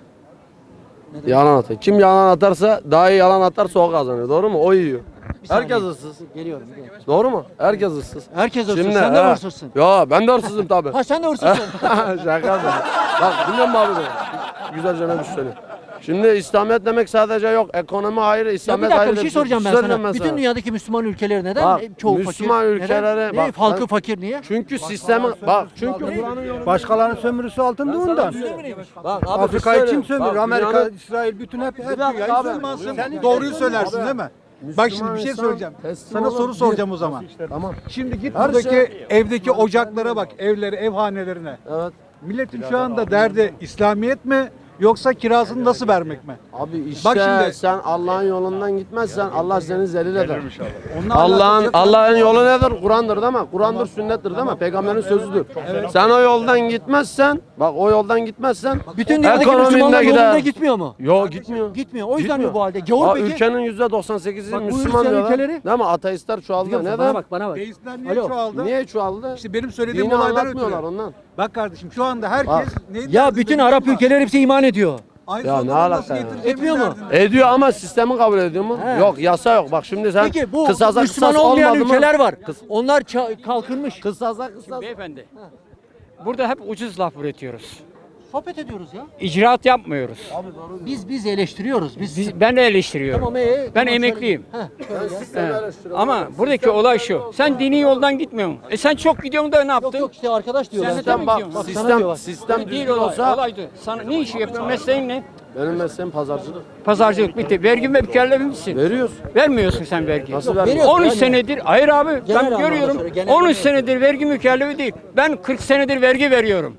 [SPEAKER 9] Yalan atar. Kim yalan atarsa daha iyi yalan atarsa o kazanıyor. Doğru mu? O yiyor.
[SPEAKER 1] Bir saniye.
[SPEAKER 9] Herkes ıssız.
[SPEAKER 1] Geliyorum. geliyorum.
[SPEAKER 9] Doğru mu? Herkes ıssız.
[SPEAKER 1] Herkes hırsız.
[SPEAKER 9] Şimdi,
[SPEAKER 1] Sen de
[SPEAKER 9] he.
[SPEAKER 1] hırsızsın.
[SPEAKER 9] Ya ben de hırsızım tabii.
[SPEAKER 1] Ha sen de hırsızsın.
[SPEAKER 9] Şaka yapıyorum. Bak dinliyor musun abi beni? Güzelce ne bir söyle. Şimdi İslamiyet demek sadece yok. Ekonomi ayrı,
[SPEAKER 1] Ya bir
[SPEAKER 9] İslamiyet
[SPEAKER 1] dakika
[SPEAKER 9] ayrı.
[SPEAKER 1] bir şey soracağım ben
[SPEAKER 9] Söyleyeyim
[SPEAKER 1] sana. Bütün
[SPEAKER 9] sana.
[SPEAKER 1] dünyadaki Müslüman ülkeler neden
[SPEAKER 9] Bak,
[SPEAKER 1] çoğu
[SPEAKER 9] Müslüman
[SPEAKER 1] fakir?
[SPEAKER 9] ülkelere
[SPEAKER 1] neden?
[SPEAKER 9] bak,
[SPEAKER 1] Ne, halkı
[SPEAKER 9] ben-
[SPEAKER 1] fakir niye?
[SPEAKER 9] Çünkü sistemi bak çünkü
[SPEAKER 3] Başkalarının sömürüsü altında ondan.
[SPEAKER 9] bak abi
[SPEAKER 3] Afrika'yı
[SPEAKER 9] bir
[SPEAKER 3] kim
[SPEAKER 9] söyle.
[SPEAKER 3] sömürür?
[SPEAKER 9] Bak,
[SPEAKER 3] Amerika,
[SPEAKER 9] dünyanın-
[SPEAKER 3] İsrail bütün hep hep
[SPEAKER 9] Bir dakika
[SPEAKER 3] dünyayı
[SPEAKER 9] abi.
[SPEAKER 3] sömürsün.
[SPEAKER 9] Sen
[SPEAKER 3] Doğruyu söylersin değil mi? Bak şimdi bir şey
[SPEAKER 9] insan
[SPEAKER 3] söyleyeceğim.
[SPEAKER 9] teslim
[SPEAKER 3] Sana
[SPEAKER 9] olan
[SPEAKER 3] soru
[SPEAKER 9] bir-
[SPEAKER 3] soracağım o zaman.
[SPEAKER 9] Tamam.
[SPEAKER 3] Şimdi git
[SPEAKER 9] Her
[SPEAKER 3] buradaki
[SPEAKER 9] şey-
[SPEAKER 3] evdeki ocaklara bak, evlere, evhanelerine.
[SPEAKER 9] Evet.
[SPEAKER 3] Milletin şu anda derdi İslamiyet mi yoksa kirasını nasıl vermek mi?
[SPEAKER 9] Abi işte
[SPEAKER 3] Bak şimdi-
[SPEAKER 9] sen Allah'ın yolundan gitmezsen Allah seni zelil eder.
[SPEAKER 3] Onunla
[SPEAKER 9] Allah'ın
[SPEAKER 3] alakası yok.
[SPEAKER 9] Allah'ın yolu nedir? Kur'an'dır değil mi? Kur'an'dır, sünnettir değil mi? Peygamberin sözüdür. Sen o yoldan gitmezsen, bak o yoldan gitmezsen
[SPEAKER 1] Bütün dünyadaki
[SPEAKER 9] ekonominde
[SPEAKER 1] Müslümanlar
[SPEAKER 9] gider.
[SPEAKER 1] yolunda gitmiyor mu?
[SPEAKER 9] Yok gitmiyor.
[SPEAKER 1] Gitmiyor. O yüzden
[SPEAKER 9] Gitmiyor.
[SPEAKER 1] mi bu halde? Gavur
[SPEAKER 9] Aa,
[SPEAKER 1] peki?
[SPEAKER 9] ülkenin yüzde doksan sekizi
[SPEAKER 1] Bak bu
[SPEAKER 9] Müslüman
[SPEAKER 1] Hristiyan
[SPEAKER 9] diyorlar.
[SPEAKER 1] ülkeleri-
[SPEAKER 9] Değil mi? Ateistler çoğaldı.
[SPEAKER 1] Biliyor musun?
[SPEAKER 9] Neden?
[SPEAKER 1] Bana bak bana bak.
[SPEAKER 3] Deistler niye
[SPEAKER 1] Alo.
[SPEAKER 3] çoğaldı?
[SPEAKER 9] Niye çoğaldı?
[SPEAKER 3] İşte benim söylediğim
[SPEAKER 9] Dini
[SPEAKER 3] olaydan
[SPEAKER 9] anlatmıyorlar
[SPEAKER 3] ötürü.
[SPEAKER 9] ondan.
[SPEAKER 3] Bak kardeşim şu anda herkes
[SPEAKER 9] Bak.
[SPEAKER 3] neydi?
[SPEAKER 1] Ya bütün Arap ülkeleri hepsi iman ediyor.
[SPEAKER 3] Aynı
[SPEAKER 9] Ya ne
[SPEAKER 3] zamanda
[SPEAKER 9] alaka
[SPEAKER 3] nasıl
[SPEAKER 9] ya?
[SPEAKER 3] getireceğimiz
[SPEAKER 1] Etmiyor mu?
[SPEAKER 3] derdinde.
[SPEAKER 9] Ediyor ama sistemi kabul ediyor mu?
[SPEAKER 1] He.
[SPEAKER 9] Yok, yasa yok. Bak şimdi sen
[SPEAKER 1] Peki bu
[SPEAKER 9] kısasa
[SPEAKER 1] Müslüman
[SPEAKER 9] kısas
[SPEAKER 1] olmayan
[SPEAKER 9] olmadı mı?
[SPEAKER 1] ülkeler var. Onlar ça- kalkınmış.
[SPEAKER 9] Kısasa kısas.
[SPEAKER 5] Beyefendi. Burada hep ucuz laf üretiyoruz.
[SPEAKER 1] Sohbet ediyoruz ya.
[SPEAKER 5] İcraat yapmıyoruz.
[SPEAKER 1] Biz biz eleştiriyoruz. Biz,
[SPEAKER 5] Biz, ben de eleştiriyorum.
[SPEAKER 1] Tamam, ee,
[SPEAKER 5] ben
[SPEAKER 1] tamam,
[SPEAKER 5] emekliyim.
[SPEAKER 1] Heh,
[SPEAKER 5] He. Ama buradaki olay şu. Sen dini yoldan gitmiyorsun. E sen çok gidiyorsun da ne yaptın?
[SPEAKER 1] Yok yok işte arkadaş diyor.
[SPEAKER 5] Sen
[SPEAKER 1] ben.
[SPEAKER 5] neden
[SPEAKER 9] Sistem
[SPEAKER 5] mi
[SPEAKER 9] bak,
[SPEAKER 5] gidiyorsun?
[SPEAKER 1] Bak, sana diyor
[SPEAKER 9] sistem
[SPEAKER 1] bak.
[SPEAKER 9] sistem
[SPEAKER 5] Değil
[SPEAKER 9] düzgün
[SPEAKER 5] olay.
[SPEAKER 9] olsa
[SPEAKER 5] Olaydı. Sana ne işi yapıyorsun? Mesleğin ne?
[SPEAKER 9] benim mesleğim pazarcılık.
[SPEAKER 5] Pazarcılık bitti. Vergi ve mükellefi misin?
[SPEAKER 9] Veriyoruz.
[SPEAKER 5] Vermiyorsun sen vergi.
[SPEAKER 9] Nasıl
[SPEAKER 1] veriyoruz
[SPEAKER 9] vermiyoruz?
[SPEAKER 5] on üç
[SPEAKER 1] yani.
[SPEAKER 5] senedir, hayır abi
[SPEAKER 1] Genel
[SPEAKER 5] ben
[SPEAKER 1] anlamda
[SPEAKER 5] görüyorum.
[SPEAKER 1] söyle, genel
[SPEAKER 5] on üç
[SPEAKER 1] anlamda
[SPEAKER 5] senedir vergi mükellefi değil. Ben kırk senedir vergi veriyorum.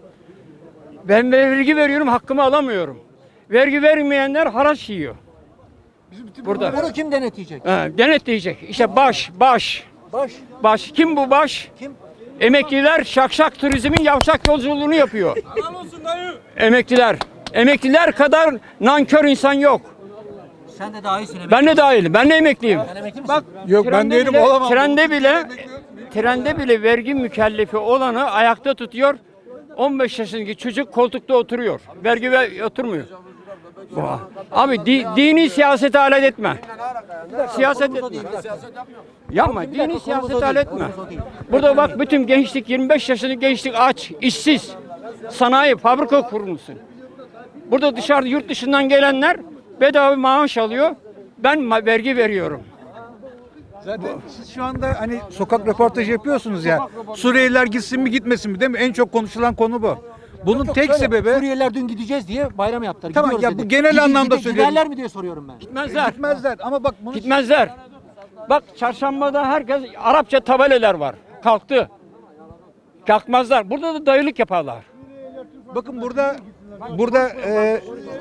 [SPEAKER 5] Ben vergi veriyorum, hakkımı alamıyorum. Vergi vermeyenler haraç yiyor. Burada.
[SPEAKER 1] Bunu kim denetleyecek?
[SPEAKER 5] Ha, denetleyecek. İşte baş, baş,
[SPEAKER 1] Baş.
[SPEAKER 5] baş. Kim bu baş?
[SPEAKER 1] Kim?
[SPEAKER 5] Emekliler şakşak turizmin yavşak yolculuğunu yapıyor. Emekliler. Emekliler kadar nankör insan yok.
[SPEAKER 1] Sen de daha iyisin.
[SPEAKER 5] Ben de dahilim. Ben de emekliyim.
[SPEAKER 1] Sen emekli misin?
[SPEAKER 5] Bak
[SPEAKER 3] Yok, ben
[SPEAKER 5] trende
[SPEAKER 3] değilim,
[SPEAKER 5] bile,
[SPEAKER 3] olamam.
[SPEAKER 5] Trende bile trende bile vergi mükellefi olanı ayakta tutuyor. on beş yaşındaki çocuk koltukta oturuyor. Vergi ver, oturmuyor. Bu. Abi di, dini siyasete alet etme. Siyaset etme. Yapma.
[SPEAKER 1] Bir dakika,
[SPEAKER 5] Dini
[SPEAKER 1] konumuz o
[SPEAKER 5] siyasete
[SPEAKER 1] değil,
[SPEAKER 5] alet etme.
[SPEAKER 1] konumuz o değil.
[SPEAKER 5] Burada bak bütün gençlik yirmi beş yaşındaki gençlik aç, işsiz. Sanayi, fabrika kurmuşsun. Burada dışarıda yurt dışından gelenler bedava maaş alıyor. Ben ma- vergi veriyorum.
[SPEAKER 3] Zaten siz şu anda hani sokak röportajı yapıyorsunuz ya. Suriyeliler gitsin mi gitmesin mi değil mi? En çok konuşulan konu bu. Bunun
[SPEAKER 1] Yok,
[SPEAKER 3] tek
[SPEAKER 1] şöyle,
[SPEAKER 3] sebebi
[SPEAKER 1] Suriyeliler dün gideceğiz diye bayram yaptılar.
[SPEAKER 3] Tamam,
[SPEAKER 1] Gidiyoruz
[SPEAKER 3] ya bu
[SPEAKER 1] dedi.
[SPEAKER 3] genel
[SPEAKER 1] Gidi-
[SPEAKER 3] anlamda
[SPEAKER 1] gide-
[SPEAKER 3] söylüyorum.
[SPEAKER 1] Giderler mi diye soruyorum ben.
[SPEAKER 5] Gitmezler.
[SPEAKER 3] gitmezler ama bak bunu
[SPEAKER 5] Gitmezler. Bak çarşambada herkes Arapça tabelalar var. Kalktı. Kalkmazlar. Burada da dayılık yaparlar.
[SPEAKER 3] bakın burada burada e,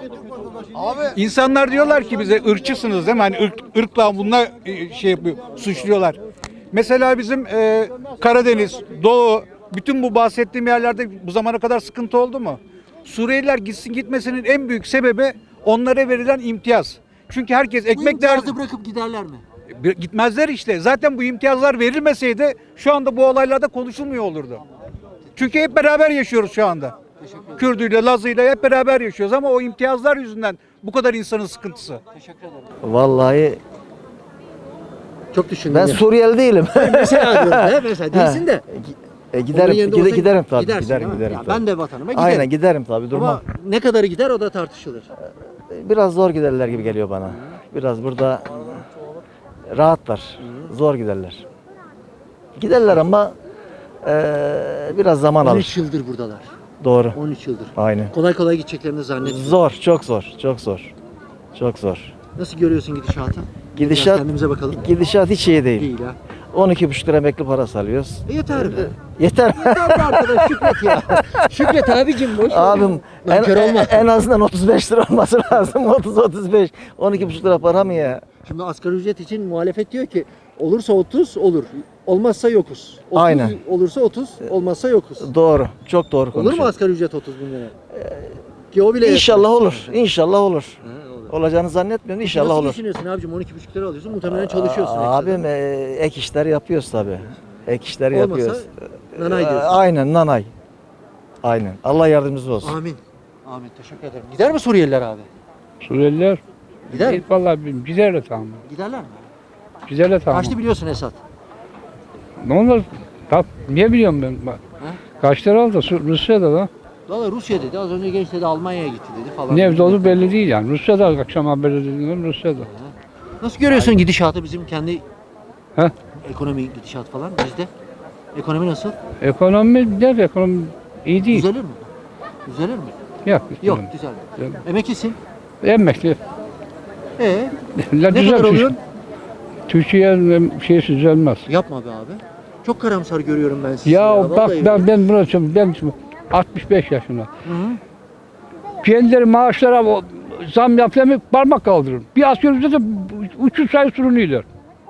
[SPEAKER 3] insanlar diyorlar ki bize ırkçısınız değil mi? Hani ırk, ırkla bununla e, şey yapıyor, suçluyorlar. Mesela bizim e, Karadeniz, Doğu, bütün bu bahsettiğim yerlerde bu zamana kadar sıkıntı oldu mu? Suriyeliler gitsin gitmesinin en büyük sebebi onlara verilen imtiyaz. Çünkü herkes
[SPEAKER 1] Bu
[SPEAKER 3] ekmek derdi.
[SPEAKER 1] imtiyazı bırakıp giderler mi?
[SPEAKER 3] Gitmezler işte. Zaten bu imtiyazlar verilmeseydi şu anda bu olaylarda konuşulmuyor olurdu. Çünkü hep beraber yaşıyoruz şu anda. Kürdüyle, Lazıyla hep beraber yaşıyoruz ama o imtiyazlar yüzünden bu kadar insanın sıkıntısı.
[SPEAKER 7] Vallahi
[SPEAKER 1] Çok düşündüm.
[SPEAKER 7] ben
[SPEAKER 1] ya.
[SPEAKER 7] Suriyeli değilim.
[SPEAKER 1] Mesela diyorum. He, mesela değilsin de.
[SPEAKER 7] E,
[SPEAKER 1] Onun
[SPEAKER 7] giderim,
[SPEAKER 1] yerinde
[SPEAKER 7] gide,
[SPEAKER 1] olsa
[SPEAKER 7] giderim tabii.
[SPEAKER 1] gidersin,
[SPEAKER 7] Giderim,
[SPEAKER 1] değil mi?
[SPEAKER 7] giderim.
[SPEAKER 1] Ya
[SPEAKER 7] tabii.
[SPEAKER 1] ben de vatanıma giderim.
[SPEAKER 7] Aynen giderim tabii. Durmam.
[SPEAKER 1] Ama ne kadarı gider o da tartışılır.
[SPEAKER 7] Biraz zor giderler gibi geliyor bana. Biraz burada rahatlar. Zor giderler. Giderler ama eee, biraz zaman
[SPEAKER 1] on
[SPEAKER 7] alır.
[SPEAKER 1] üç yıldır buradalar.
[SPEAKER 7] Doğru.
[SPEAKER 1] on üç yıldır.
[SPEAKER 7] Aynen.
[SPEAKER 1] Kolay kolay gideceklerini zannetmiyorum.
[SPEAKER 7] Zor, çok zor, çok zor. Çok zor.
[SPEAKER 1] Nasıl görüyorsun gidişatı? Biraz
[SPEAKER 7] Gidişat
[SPEAKER 1] kendimize bakalım.
[SPEAKER 7] gidişat hiç iyi değil.
[SPEAKER 1] Değil ha.
[SPEAKER 7] on iki buçuk lira emekli parası alıyoruz.
[SPEAKER 1] E yeter be.
[SPEAKER 7] Yeter.
[SPEAKER 1] Yeter be arkadaş şükret ya. Şükret abicim boş ver.
[SPEAKER 7] Abim en,
[SPEAKER 1] Nankör olma.
[SPEAKER 7] en azından otuz beş lira olması lazım. otuz otuz beş. on iki buçuk lira para mı ya?
[SPEAKER 1] Şimdi asgari ücret için muhalefet diyor ki olursa otuz olur. Olmazsa yokuz. otuz
[SPEAKER 7] Aynen.
[SPEAKER 1] Olursa otuz, olmazsa yokuz.
[SPEAKER 7] Doğru. Çok doğru
[SPEAKER 1] Olur mu
[SPEAKER 7] konuşuyorsun.
[SPEAKER 1] asgari ücret otuz bin lira? Ki o bile
[SPEAKER 7] İnşallah olur. İnşallah olur.
[SPEAKER 1] Ha, olur.
[SPEAKER 7] Olacağını zannetmiyorum. İnşallah
[SPEAKER 1] Nasıl
[SPEAKER 7] olur.
[SPEAKER 1] düşünüyorsun abicim? on iki buçuk lira alıyorsun. Muhtemelen çalışıyorsun. ekstra.
[SPEAKER 7] Abim e, ek işler yapıyoruz tabi. Ek işler
[SPEAKER 1] Olmasa
[SPEAKER 7] yapıyoruz.
[SPEAKER 1] nanay
[SPEAKER 7] E,
[SPEAKER 1] diyorsun.
[SPEAKER 7] Aynen nanay. Aynen. Allah yardımcımız olsun.
[SPEAKER 1] Amin. Amin. Teşekkür ederim. Gider mi Suriyeliler abi?
[SPEAKER 8] Suriyeliler
[SPEAKER 1] Gider mi?
[SPEAKER 8] vallahi giderler tamam.
[SPEAKER 1] Giderler mi?
[SPEAKER 8] Giderler tamam.
[SPEAKER 1] Kaçtı biliyorsun Esat?
[SPEAKER 8] Ne olur? Tap, niye biliyorum ben? Bak. Kaç lira aldı? Su- Rusya'da da.
[SPEAKER 1] Valla Rusya dedi. Az önce genç dedi Almanya'ya gitti dedi falan.
[SPEAKER 8] Nerede olduğu belli değil yani. Rusya'da akşam haberi dediğim Rusya'da.
[SPEAKER 1] Nasıl görüyorsun gidişatı bizim kendi
[SPEAKER 8] He?
[SPEAKER 1] ekonomi gidişat falan bizde? Ekonomi nasıl?
[SPEAKER 8] Ekonomi der ekonomi iyi değil.
[SPEAKER 1] Düzelir mi? Düzelir mi?
[SPEAKER 8] Yok.
[SPEAKER 1] Yok
[SPEAKER 8] düzelir.
[SPEAKER 1] düzelmiyor.
[SPEAKER 8] Düzelir.
[SPEAKER 1] Emeklisin.
[SPEAKER 8] Emekli.
[SPEAKER 1] Ee,
[SPEAKER 8] La
[SPEAKER 1] ne
[SPEAKER 8] düzel
[SPEAKER 1] kadar
[SPEAKER 8] Türk-
[SPEAKER 1] oluyor?
[SPEAKER 8] Türkiye'nin şeysi düzelmez.
[SPEAKER 1] Yapma be abi. Çok karamsar görüyorum ben sizi.
[SPEAKER 8] Ya, bak
[SPEAKER 1] vallahi
[SPEAKER 8] ben ben buna söylüyorum, ben şimdi altmış beş yaşında.
[SPEAKER 1] Hı hı.
[SPEAKER 8] Kendileri maaşlara o zam yapıyor mu parmak kaldırır. Bir asgari ücrete üç yüz sayı sürünüyorlar.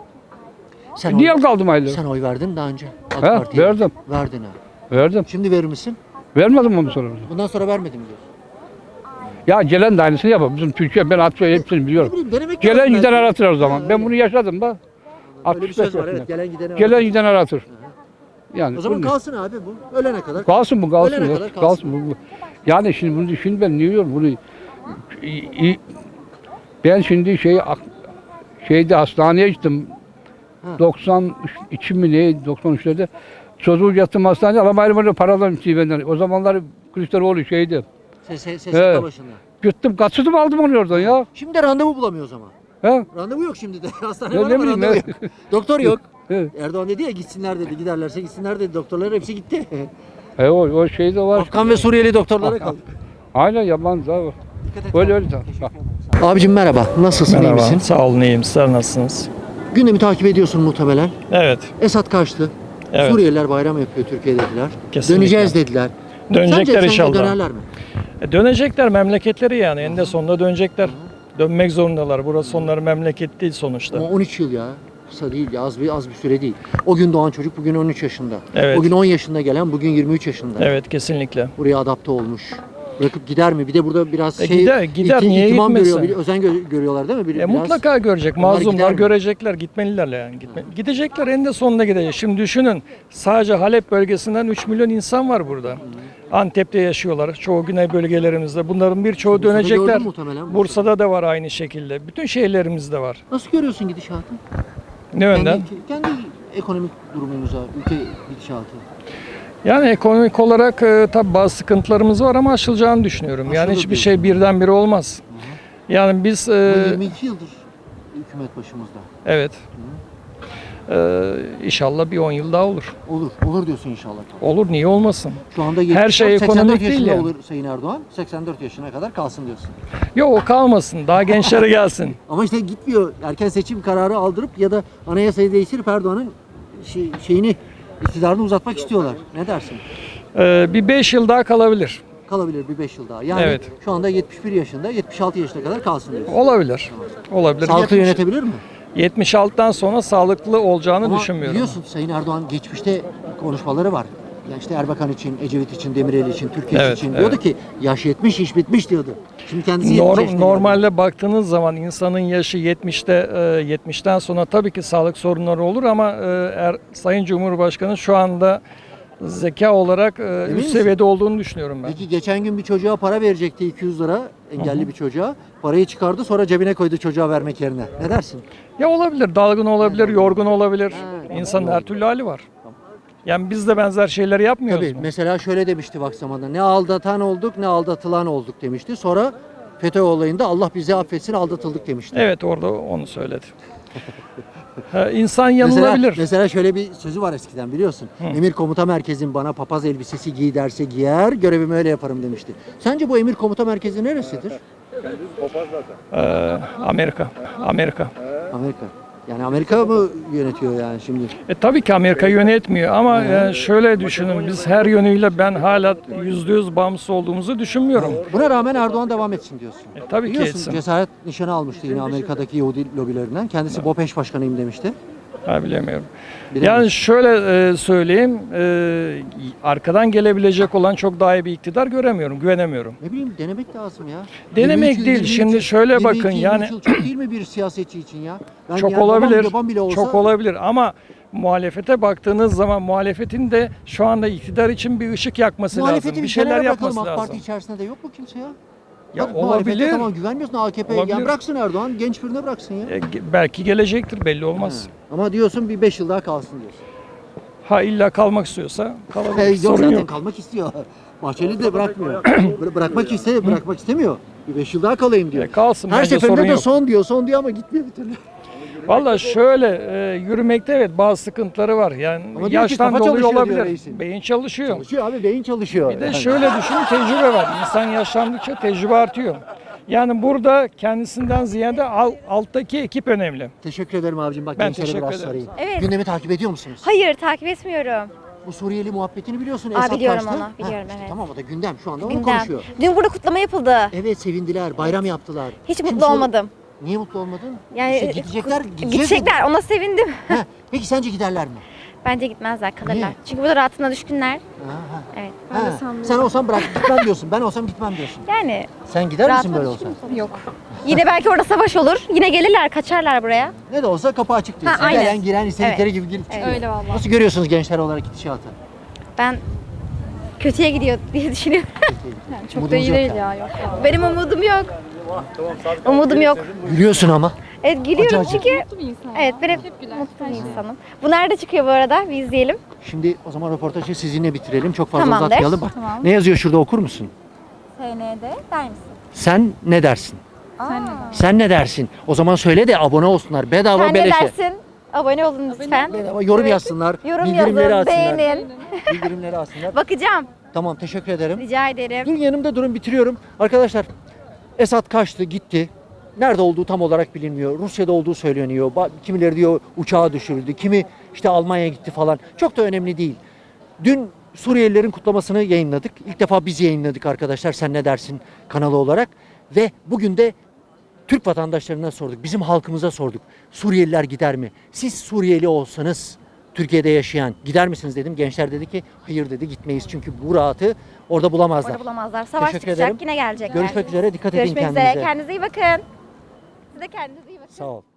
[SPEAKER 1] Sen
[SPEAKER 8] Niye
[SPEAKER 1] oy,
[SPEAKER 8] kaldım ayları?
[SPEAKER 1] sen oy verdin mi daha önce? AK
[SPEAKER 8] He,
[SPEAKER 1] Parti'ye.
[SPEAKER 8] verdim.
[SPEAKER 1] Verdin ha.
[SPEAKER 8] Verdim.
[SPEAKER 1] Şimdi verir misin?
[SPEAKER 8] Vermedim onu sonra.
[SPEAKER 1] Bundan sonra vermedim diyorsun.
[SPEAKER 8] Ya gelen de aynısını yapar. Bizim Türkiye ben atıyor hepsini
[SPEAKER 1] Ne
[SPEAKER 8] biliyorum.
[SPEAKER 1] bileyim denemek
[SPEAKER 8] Gelen
[SPEAKER 1] lazım
[SPEAKER 8] giden
[SPEAKER 1] belki.
[SPEAKER 8] aratır o zaman.
[SPEAKER 1] Ha,
[SPEAKER 8] Ben
[SPEAKER 1] öyle.
[SPEAKER 8] bunu yaşadım da.
[SPEAKER 1] Öyle bir
[SPEAKER 8] altmış beş
[SPEAKER 1] söz var
[SPEAKER 8] yaşında.
[SPEAKER 1] evet. Gelen gideni
[SPEAKER 8] Gelen
[SPEAKER 1] aratır.
[SPEAKER 8] giden aratır. Yani
[SPEAKER 1] O zaman
[SPEAKER 8] bunu-
[SPEAKER 1] kalsın abi bu. Ölene kadar.
[SPEAKER 8] kalsın bu kalsın.
[SPEAKER 1] Ölene
[SPEAKER 8] ya,
[SPEAKER 1] kadar kalsın.
[SPEAKER 8] kalsın. bu, bu. Yani şimdi bunu şimdi ben ne diyorum bunu i- i- ben şimdi şey şeyde hastaneye gittim.
[SPEAKER 1] Ha.
[SPEAKER 8] doksan iki mi ne doksan üçlerde çocuğu yattım hastaneye ama ayrı paralar istiyor benden. O zamanlar Kılıçdaroğlu şeydi.
[SPEAKER 1] Ses, ses, ses
[SPEAKER 8] Evet.
[SPEAKER 1] başında.
[SPEAKER 8] Gittim kaçırdım aldım onu oradan ya.
[SPEAKER 1] Şimdi de randevu bulamıyor o zaman.
[SPEAKER 8] He?
[SPEAKER 1] Randevu yok şimdi de. Hastane
[SPEAKER 8] Ya
[SPEAKER 1] var
[SPEAKER 8] ne
[SPEAKER 1] ama
[SPEAKER 8] bileyim
[SPEAKER 1] randevu
[SPEAKER 8] ya.
[SPEAKER 1] yok. Doktor yok.
[SPEAKER 8] He.
[SPEAKER 1] Erdoğan dedi ya gitsinler dedi. Giderlerse gitsinler dedi. Doktorlar hepsi gitti.
[SPEAKER 8] E o, o şey de var.
[SPEAKER 1] Afgan ve Suriyeli doktorlara kaldık.
[SPEAKER 8] Aynen yabancı da var.
[SPEAKER 1] Dikkat et.
[SPEAKER 8] Öyle öyle. Bak.
[SPEAKER 1] Abicim merhaba. Nasılsın? iyi misin?
[SPEAKER 13] Sağ olun iyiyim. Sizler nasılsınız?
[SPEAKER 1] Gündemi takip ediyorsun muhtemelen.
[SPEAKER 13] Evet.
[SPEAKER 1] Esad kaçtı.
[SPEAKER 13] Evet.
[SPEAKER 1] Suriyeliler bayram yapıyor Türkiye dediler.
[SPEAKER 13] Kesinlikle.
[SPEAKER 1] Döneceğiz dediler.
[SPEAKER 13] Dönecekler
[SPEAKER 1] Sence
[SPEAKER 13] inşallah.
[SPEAKER 1] sonunda dönerler mi?
[SPEAKER 13] E, dönecekler memleketleri yani. Eninde sonunda dönecekler. Dönmek zorundalar. Burası onların memleket değil sonuçta.
[SPEAKER 1] Ama on üç yıl ya. Kısa değil ya. Az bir, az bir süre değil. O gün doğan çocuk bugün on üç yaşında.
[SPEAKER 13] Evet.
[SPEAKER 1] O gün on yaşında gelen bugün yirmi üç yaşında.
[SPEAKER 13] Evet kesinlikle.
[SPEAKER 1] Buraya adapte olmuş. Bırakıp gider mi? Bir de burada biraz
[SPEAKER 13] E,
[SPEAKER 1] şey
[SPEAKER 13] gider, gider.
[SPEAKER 1] iti-
[SPEAKER 13] Niye
[SPEAKER 1] itimam
[SPEAKER 13] gitmesin?
[SPEAKER 1] görüyor, bir özen gö- görüyorlar değil mi? Bir,
[SPEAKER 13] E,
[SPEAKER 1] biraz-
[SPEAKER 13] mutlaka görecek.
[SPEAKER 1] Onlar gider
[SPEAKER 13] Mazlumlar
[SPEAKER 1] mi?
[SPEAKER 13] görecekler. Gitmeliler yani. Gitme. Gidecekler. Eninde sonunda gidecek. Şimdi düşünün. Sadece Halep bölgesinden üç milyon insan var burada. Antep'te yaşıyorlar. Çoğu güney bölgelerimizde. Bunların birçoğu
[SPEAKER 1] Bursa'da
[SPEAKER 13] dönecekler.
[SPEAKER 1] gördün muhtemelen, Bursa'da.
[SPEAKER 13] Bursa'da da var aynı şekilde. Bütün şehirlerimizde var.
[SPEAKER 1] Nasıl görüyorsun gidişatı?
[SPEAKER 13] Ne yönden?
[SPEAKER 1] Kendi, kendi ekonomik durumumuza, ülke gidişatı.
[SPEAKER 13] Yani ekonomik olarak e, tabii bazı sıkıntılarımız var ama aşılacağını düşünüyorum. Yani
[SPEAKER 1] Aşılır
[SPEAKER 13] hiçbir
[SPEAKER 1] diyorsun.
[SPEAKER 13] şey birdenbire olmaz. Yani biz e,
[SPEAKER 1] Bu yirmi iki yıldır hükümet başımızda.
[SPEAKER 13] evet. E, inşallah bir on yıl daha olur.
[SPEAKER 1] Olur. Olur diyorsun inşallah.
[SPEAKER 13] Olur, niye olmasın?
[SPEAKER 1] Şu anda
[SPEAKER 13] Her şey
[SPEAKER 1] yetmiş dört, seksen dört
[SPEAKER 13] ekonomik değil
[SPEAKER 1] yaşında
[SPEAKER 13] yani.
[SPEAKER 1] olur Sayın Erdoğan. seksen dört yaşına kadar kalsın diyorsun.
[SPEAKER 13] Yok, o kalmasın. Daha gençlere gelsin.
[SPEAKER 1] Ama işte gitmiyor. Erken seçim kararı aldırıp ya da anayasayı değiştirip Erdoğan'ın şey, şeyini, iktidarını uzatmak istiyorlar. Ne dersin?
[SPEAKER 13] E, bir beş yıl daha kalabilir.
[SPEAKER 1] Kalabilir bir beş yıl daha. Yani
[SPEAKER 13] Evet.
[SPEAKER 1] şu anda yetmiş bir yaşında, yetmiş altı yaşına kadar kalsın diyorsun.
[SPEAKER 13] Olabilir. Olabilir.
[SPEAKER 1] Sağlıklı
[SPEAKER 13] yetmiş
[SPEAKER 1] yönetebilir mi?
[SPEAKER 13] yetmiş altıdan sonra sağlıklı olacağını
[SPEAKER 1] Ama
[SPEAKER 13] düşünmüyorum.
[SPEAKER 1] biliyorsun Sayın Erdoğan geçmişte konuşmaları var. Yani işte Erbakan için, Ecevit için, Demirel için, Türkiye
[SPEAKER 13] Evet,
[SPEAKER 1] için diyordu
[SPEAKER 13] evet.
[SPEAKER 1] ki yaş yetmiş, iş bitmiş diyordu. Şimdi kendisi yetmiş
[SPEAKER 13] Norm-
[SPEAKER 1] yaşında
[SPEAKER 13] normalde baktığınız zaman insanın yaşı yetmişte e, yetmişten sonra tabii ki sağlık sorunları olur ama e, er, Sayın Cumhurbaşkanı şu anda zeka olarak e, üst
[SPEAKER 1] misin?
[SPEAKER 13] seviyede olduğunu düşünüyorum ben.
[SPEAKER 1] Peki geçen gün bir çocuğa para verecekti iki yüz lira, engelli bir çocuğa. Parayı çıkardı sonra cebine koydu çocuğa vermek yerine. Ne dersin?
[SPEAKER 13] Ya olabilir, dalgın olabilir, yorgun olabilir. İnsanın her türlü hali var. Yani biz de benzer şeyleri yapmıyoruz
[SPEAKER 1] Tabii
[SPEAKER 13] mu?
[SPEAKER 1] mesela şöyle demişti bak zamanında. Ne aldatan olduk ne aldatılan olduk demişti. Sonra FETÖ olayında Allah bizi affetsin aldatıldık demişti.
[SPEAKER 13] Evet, orada onu söyledi. Ha, İnsan
[SPEAKER 1] Mesela,
[SPEAKER 13] yanılabilir.
[SPEAKER 1] mesela şöyle bir sözü var eskiden biliyorsun. Emir komuta merkezim bana papaz elbisesi giy derse giyer, görevimi öyle yaparım demişti. Sence bu emir komuta merkezi neresidir?
[SPEAKER 13] Ee, Amerika. Amerika.
[SPEAKER 1] Amerika. Yani Amerika mı yönetiyor yani şimdi?
[SPEAKER 13] E, tabii ki Amerika yönetmiyor ama e, şöyle düşünün, biz her yönüyle ben hala yüzde yüz bağımsız olduğumuzu düşünmüyorum.
[SPEAKER 1] Buna rağmen Erdoğan devam etsin diyorsun.
[SPEAKER 13] E, tabii ki
[SPEAKER 1] Biliyorsun
[SPEAKER 13] etsin.
[SPEAKER 1] cesaret nişanı almıştı yine Amerika'daki Yahudi lobilerinden. Kendisi BOPEŞ başkanıyım demişti.
[SPEAKER 13] Ha, bilemiyorum.
[SPEAKER 1] Bilemiyorum.
[SPEAKER 13] Yani şöyle e, söyleyeyim, e, arkadan gelebilecek olan çok daha iyi bir iktidar göremiyorum, güvenemiyorum.
[SPEAKER 1] Ne bileyim denemek lazım ya.
[SPEAKER 13] Denemek
[SPEAKER 1] yirmi iki,
[SPEAKER 13] değil,
[SPEAKER 1] yirmi üç
[SPEAKER 13] şimdi
[SPEAKER 1] yıl,
[SPEAKER 13] şöyle
[SPEAKER 1] yirmi iki,
[SPEAKER 13] bakın,
[SPEAKER 1] yirmi üç
[SPEAKER 13] yani-
[SPEAKER 1] yıl çok değil mi bir siyasetçi için ya? Ben
[SPEAKER 13] Çok
[SPEAKER 1] yani babam-
[SPEAKER 13] olabilir,
[SPEAKER 1] babam bile olsa,
[SPEAKER 13] çok olabilir ama muhalefete baktığınız zaman muhalefetin de şu anda iktidar için bir ışık yakması
[SPEAKER 1] Muhalefeti
[SPEAKER 13] lazım, bir
[SPEAKER 1] bir
[SPEAKER 13] şeyler
[SPEAKER 1] kenara
[SPEAKER 13] yapması
[SPEAKER 1] bırakalım. AK Parti
[SPEAKER 13] lazım.
[SPEAKER 1] içerisinde de yok mu kimse ya?
[SPEAKER 13] Ya
[SPEAKER 1] Bak, muhalefete
[SPEAKER 13] olabilir.
[SPEAKER 1] Tamam güvenmiyorsun A K P'ye. Ya
[SPEAKER 13] Olabilir.
[SPEAKER 1] bıraksın Erdoğan, genç birine bıraksın ya.
[SPEAKER 13] E, ge- belki gelecektir, belli olmaz.
[SPEAKER 1] Ama diyorsun bir beş yıl daha kalsın diyorsun.
[SPEAKER 13] Ha, illa kalmak istiyorsa kalabilir,
[SPEAKER 1] Hey, yok
[SPEAKER 13] sorun
[SPEAKER 1] zaten
[SPEAKER 13] yok.
[SPEAKER 1] kalmak istiyor. Bahçeli de bırakmıyor. Bıra- bırakmak iste, bırakmak istemiyor. Bir beş yıl daha kalayım diyor.
[SPEAKER 13] E, kalsın,
[SPEAKER 1] Her
[SPEAKER 13] bence sorun
[SPEAKER 1] seferinde de
[SPEAKER 13] yok.
[SPEAKER 1] son diyor, son diyor ama gitmiyor bir türlü.
[SPEAKER 13] Valla şöyle e, yürümekte evet bazı sıkıntıları var. Yani
[SPEAKER 1] Ama diyor ki
[SPEAKER 13] yaştan
[SPEAKER 1] kafa
[SPEAKER 13] dolayı
[SPEAKER 1] çalışıyor diyor
[SPEAKER 13] olabilir.
[SPEAKER 1] reisin.
[SPEAKER 13] Beyin çalışıyor.
[SPEAKER 1] Çalışıyor abi, beyin çalışıyor.
[SPEAKER 13] Bir de
[SPEAKER 1] Yani.
[SPEAKER 13] şöyle düşünün, tecrübe var. İnsan yaşlandıkça tecrübe artıyor. Yani burada kendisinden ziyade al- alttaki ekip önemli.
[SPEAKER 1] Teşekkür ederim abicim. Bak
[SPEAKER 13] Ben
[SPEAKER 1] gençlere
[SPEAKER 13] teşekkür
[SPEAKER 1] biraz
[SPEAKER 13] ederim.
[SPEAKER 1] sorayım.
[SPEAKER 14] Evet.
[SPEAKER 1] Gündemi takip ediyor musunuz?
[SPEAKER 14] Hayır, takip etmiyorum.
[SPEAKER 1] Bu Suriyeli muhabbetini biliyorsun.
[SPEAKER 14] Aa,
[SPEAKER 1] Esad
[SPEAKER 14] biliyorum
[SPEAKER 1] kaçtı.
[SPEAKER 14] onu,
[SPEAKER 1] Ha,
[SPEAKER 14] biliyorum,
[SPEAKER 1] işte
[SPEAKER 14] evet.
[SPEAKER 1] Tamam o da gündem. Şu anda onu
[SPEAKER 14] Gündem.
[SPEAKER 1] konuşuyor.
[SPEAKER 14] Dün burada kutlama yapıldı.
[SPEAKER 1] Evet sevindiler, bayram yaptılar.
[SPEAKER 14] Hiç
[SPEAKER 1] Şimdi
[SPEAKER 14] mutlu
[SPEAKER 1] sor-
[SPEAKER 14] olmadım.
[SPEAKER 1] Niye mutlu olmadın?
[SPEAKER 14] Yani
[SPEAKER 1] İşte gidecekler,
[SPEAKER 14] kut-
[SPEAKER 1] gideceğiz
[SPEAKER 14] gidecekler,
[SPEAKER 1] dedi.
[SPEAKER 14] ona sevindim.
[SPEAKER 1] Ha, peki sence giderler mi?
[SPEAKER 14] Bence gitmezler, kalırlar.
[SPEAKER 1] Niye?
[SPEAKER 14] Çünkü burada rahatına düşkünler.
[SPEAKER 1] Ha, ha.
[SPEAKER 14] Evet.
[SPEAKER 1] Ha, sen olsan bırak gitmem diyorsun. Ben olsam gitmem diyorsun.
[SPEAKER 14] Yani
[SPEAKER 1] Sen gider misin
[SPEAKER 14] rahatına
[SPEAKER 1] böyle olsa?
[SPEAKER 14] düşkün Yok. Yine belki orada savaş olur. Yine gelirler, kaçarlar buraya.
[SPEAKER 1] Ne de olsa kapı açık diyorsun.
[SPEAKER 14] Ha, aynen.
[SPEAKER 1] Gelen giren istedikleri
[SPEAKER 14] Evet.
[SPEAKER 1] gibi girip çıkıyor.
[SPEAKER 14] Öyle vallahi.
[SPEAKER 1] Nasıl görüyorsunuz gençler olarak gidişatı?
[SPEAKER 14] Ben kötüye gidiyor diye düşünüyorum.
[SPEAKER 1] Çok da iyi değil
[SPEAKER 14] ya. Yok. Benim umudum yok. Umudum yok.
[SPEAKER 1] Gülüyorsun ama.
[SPEAKER 14] Evet gülüyorum
[SPEAKER 1] Acı acı.
[SPEAKER 14] çünkü evet ben hep mutlu bir insanım. Bu nerede çıkıyor bu arada? Bir izleyelim.
[SPEAKER 1] Şimdi o zaman röportajı sizinle bitirelim. Çok fazla
[SPEAKER 14] Tamamdır.
[SPEAKER 1] uzatmayalım. Bak
[SPEAKER 14] Tamam.
[SPEAKER 1] ne yazıyor şurada okur musun?
[SPEAKER 14] S N D der misin?
[SPEAKER 1] Sen ne dersin? Sen ne dersin? O zaman söyle de abone olsunlar. Bedava
[SPEAKER 14] Sen ne
[SPEAKER 1] beleşe.
[SPEAKER 14] dersin? Abone olun lütfen.
[SPEAKER 1] Bedava yorum
[SPEAKER 14] Evet.
[SPEAKER 1] yazsınlar.
[SPEAKER 14] Yorum
[SPEAKER 1] bildirimleri
[SPEAKER 14] yazın,
[SPEAKER 1] alsınlar.
[SPEAKER 14] beğenin.
[SPEAKER 1] Bildirimleri alsınlar.
[SPEAKER 14] Bakacağım.
[SPEAKER 1] Tamam teşekkür ederim.
[SPEAKER 14] Rica ederim.
[SPEAKER 1] Dur yanımda durun bitiriyorum. Arkadaşlar Esad kaçtı gitti. Nerede olduğu tam olarak bilinmiyor. Rusya'da olduğu söyleniyor. Ba- Kimileri diyor uçağa düşürüldü. Kimi işte Almanya'ya gitti falan. Çok da önemli değil. Dün Suriyelilerin kutlamasını yayınladık. İlk defa biz yayınladık arkadaşlar. Sen ne dersin kanalı olarak. Ve bugün de Türk vatandaşlarına sorduk. Bizim halkımıza sorduk. Suriyeliler gider mi? Siz Suriyeli olsanız Türkiye'de yaşayan gider misiniz dedim. Gençler dedi ki hayır dedi gitmeyiz. Çünkü bu rahatı orada bulamazlar.
[SPEAKER 14] Orada bulamazlar. Savaş
[SPEAKER 1] Teşekkür
[SPEAKER 14] çıkacak.
[SPEAKER 1] ederim.
[SPEAKER 14] Yine gelecekler.
[SPEAKER 1] Görüşmek üzere. Dikkat edin
[SPEAKER 14] Görüşmek
[SPEAKER 1] kendinize.
[SPEAKER 14] üzere. Kendinize iyi bakın. Siz de kendinize iyi bakın.
[SPEAKER 1] Sağ ol.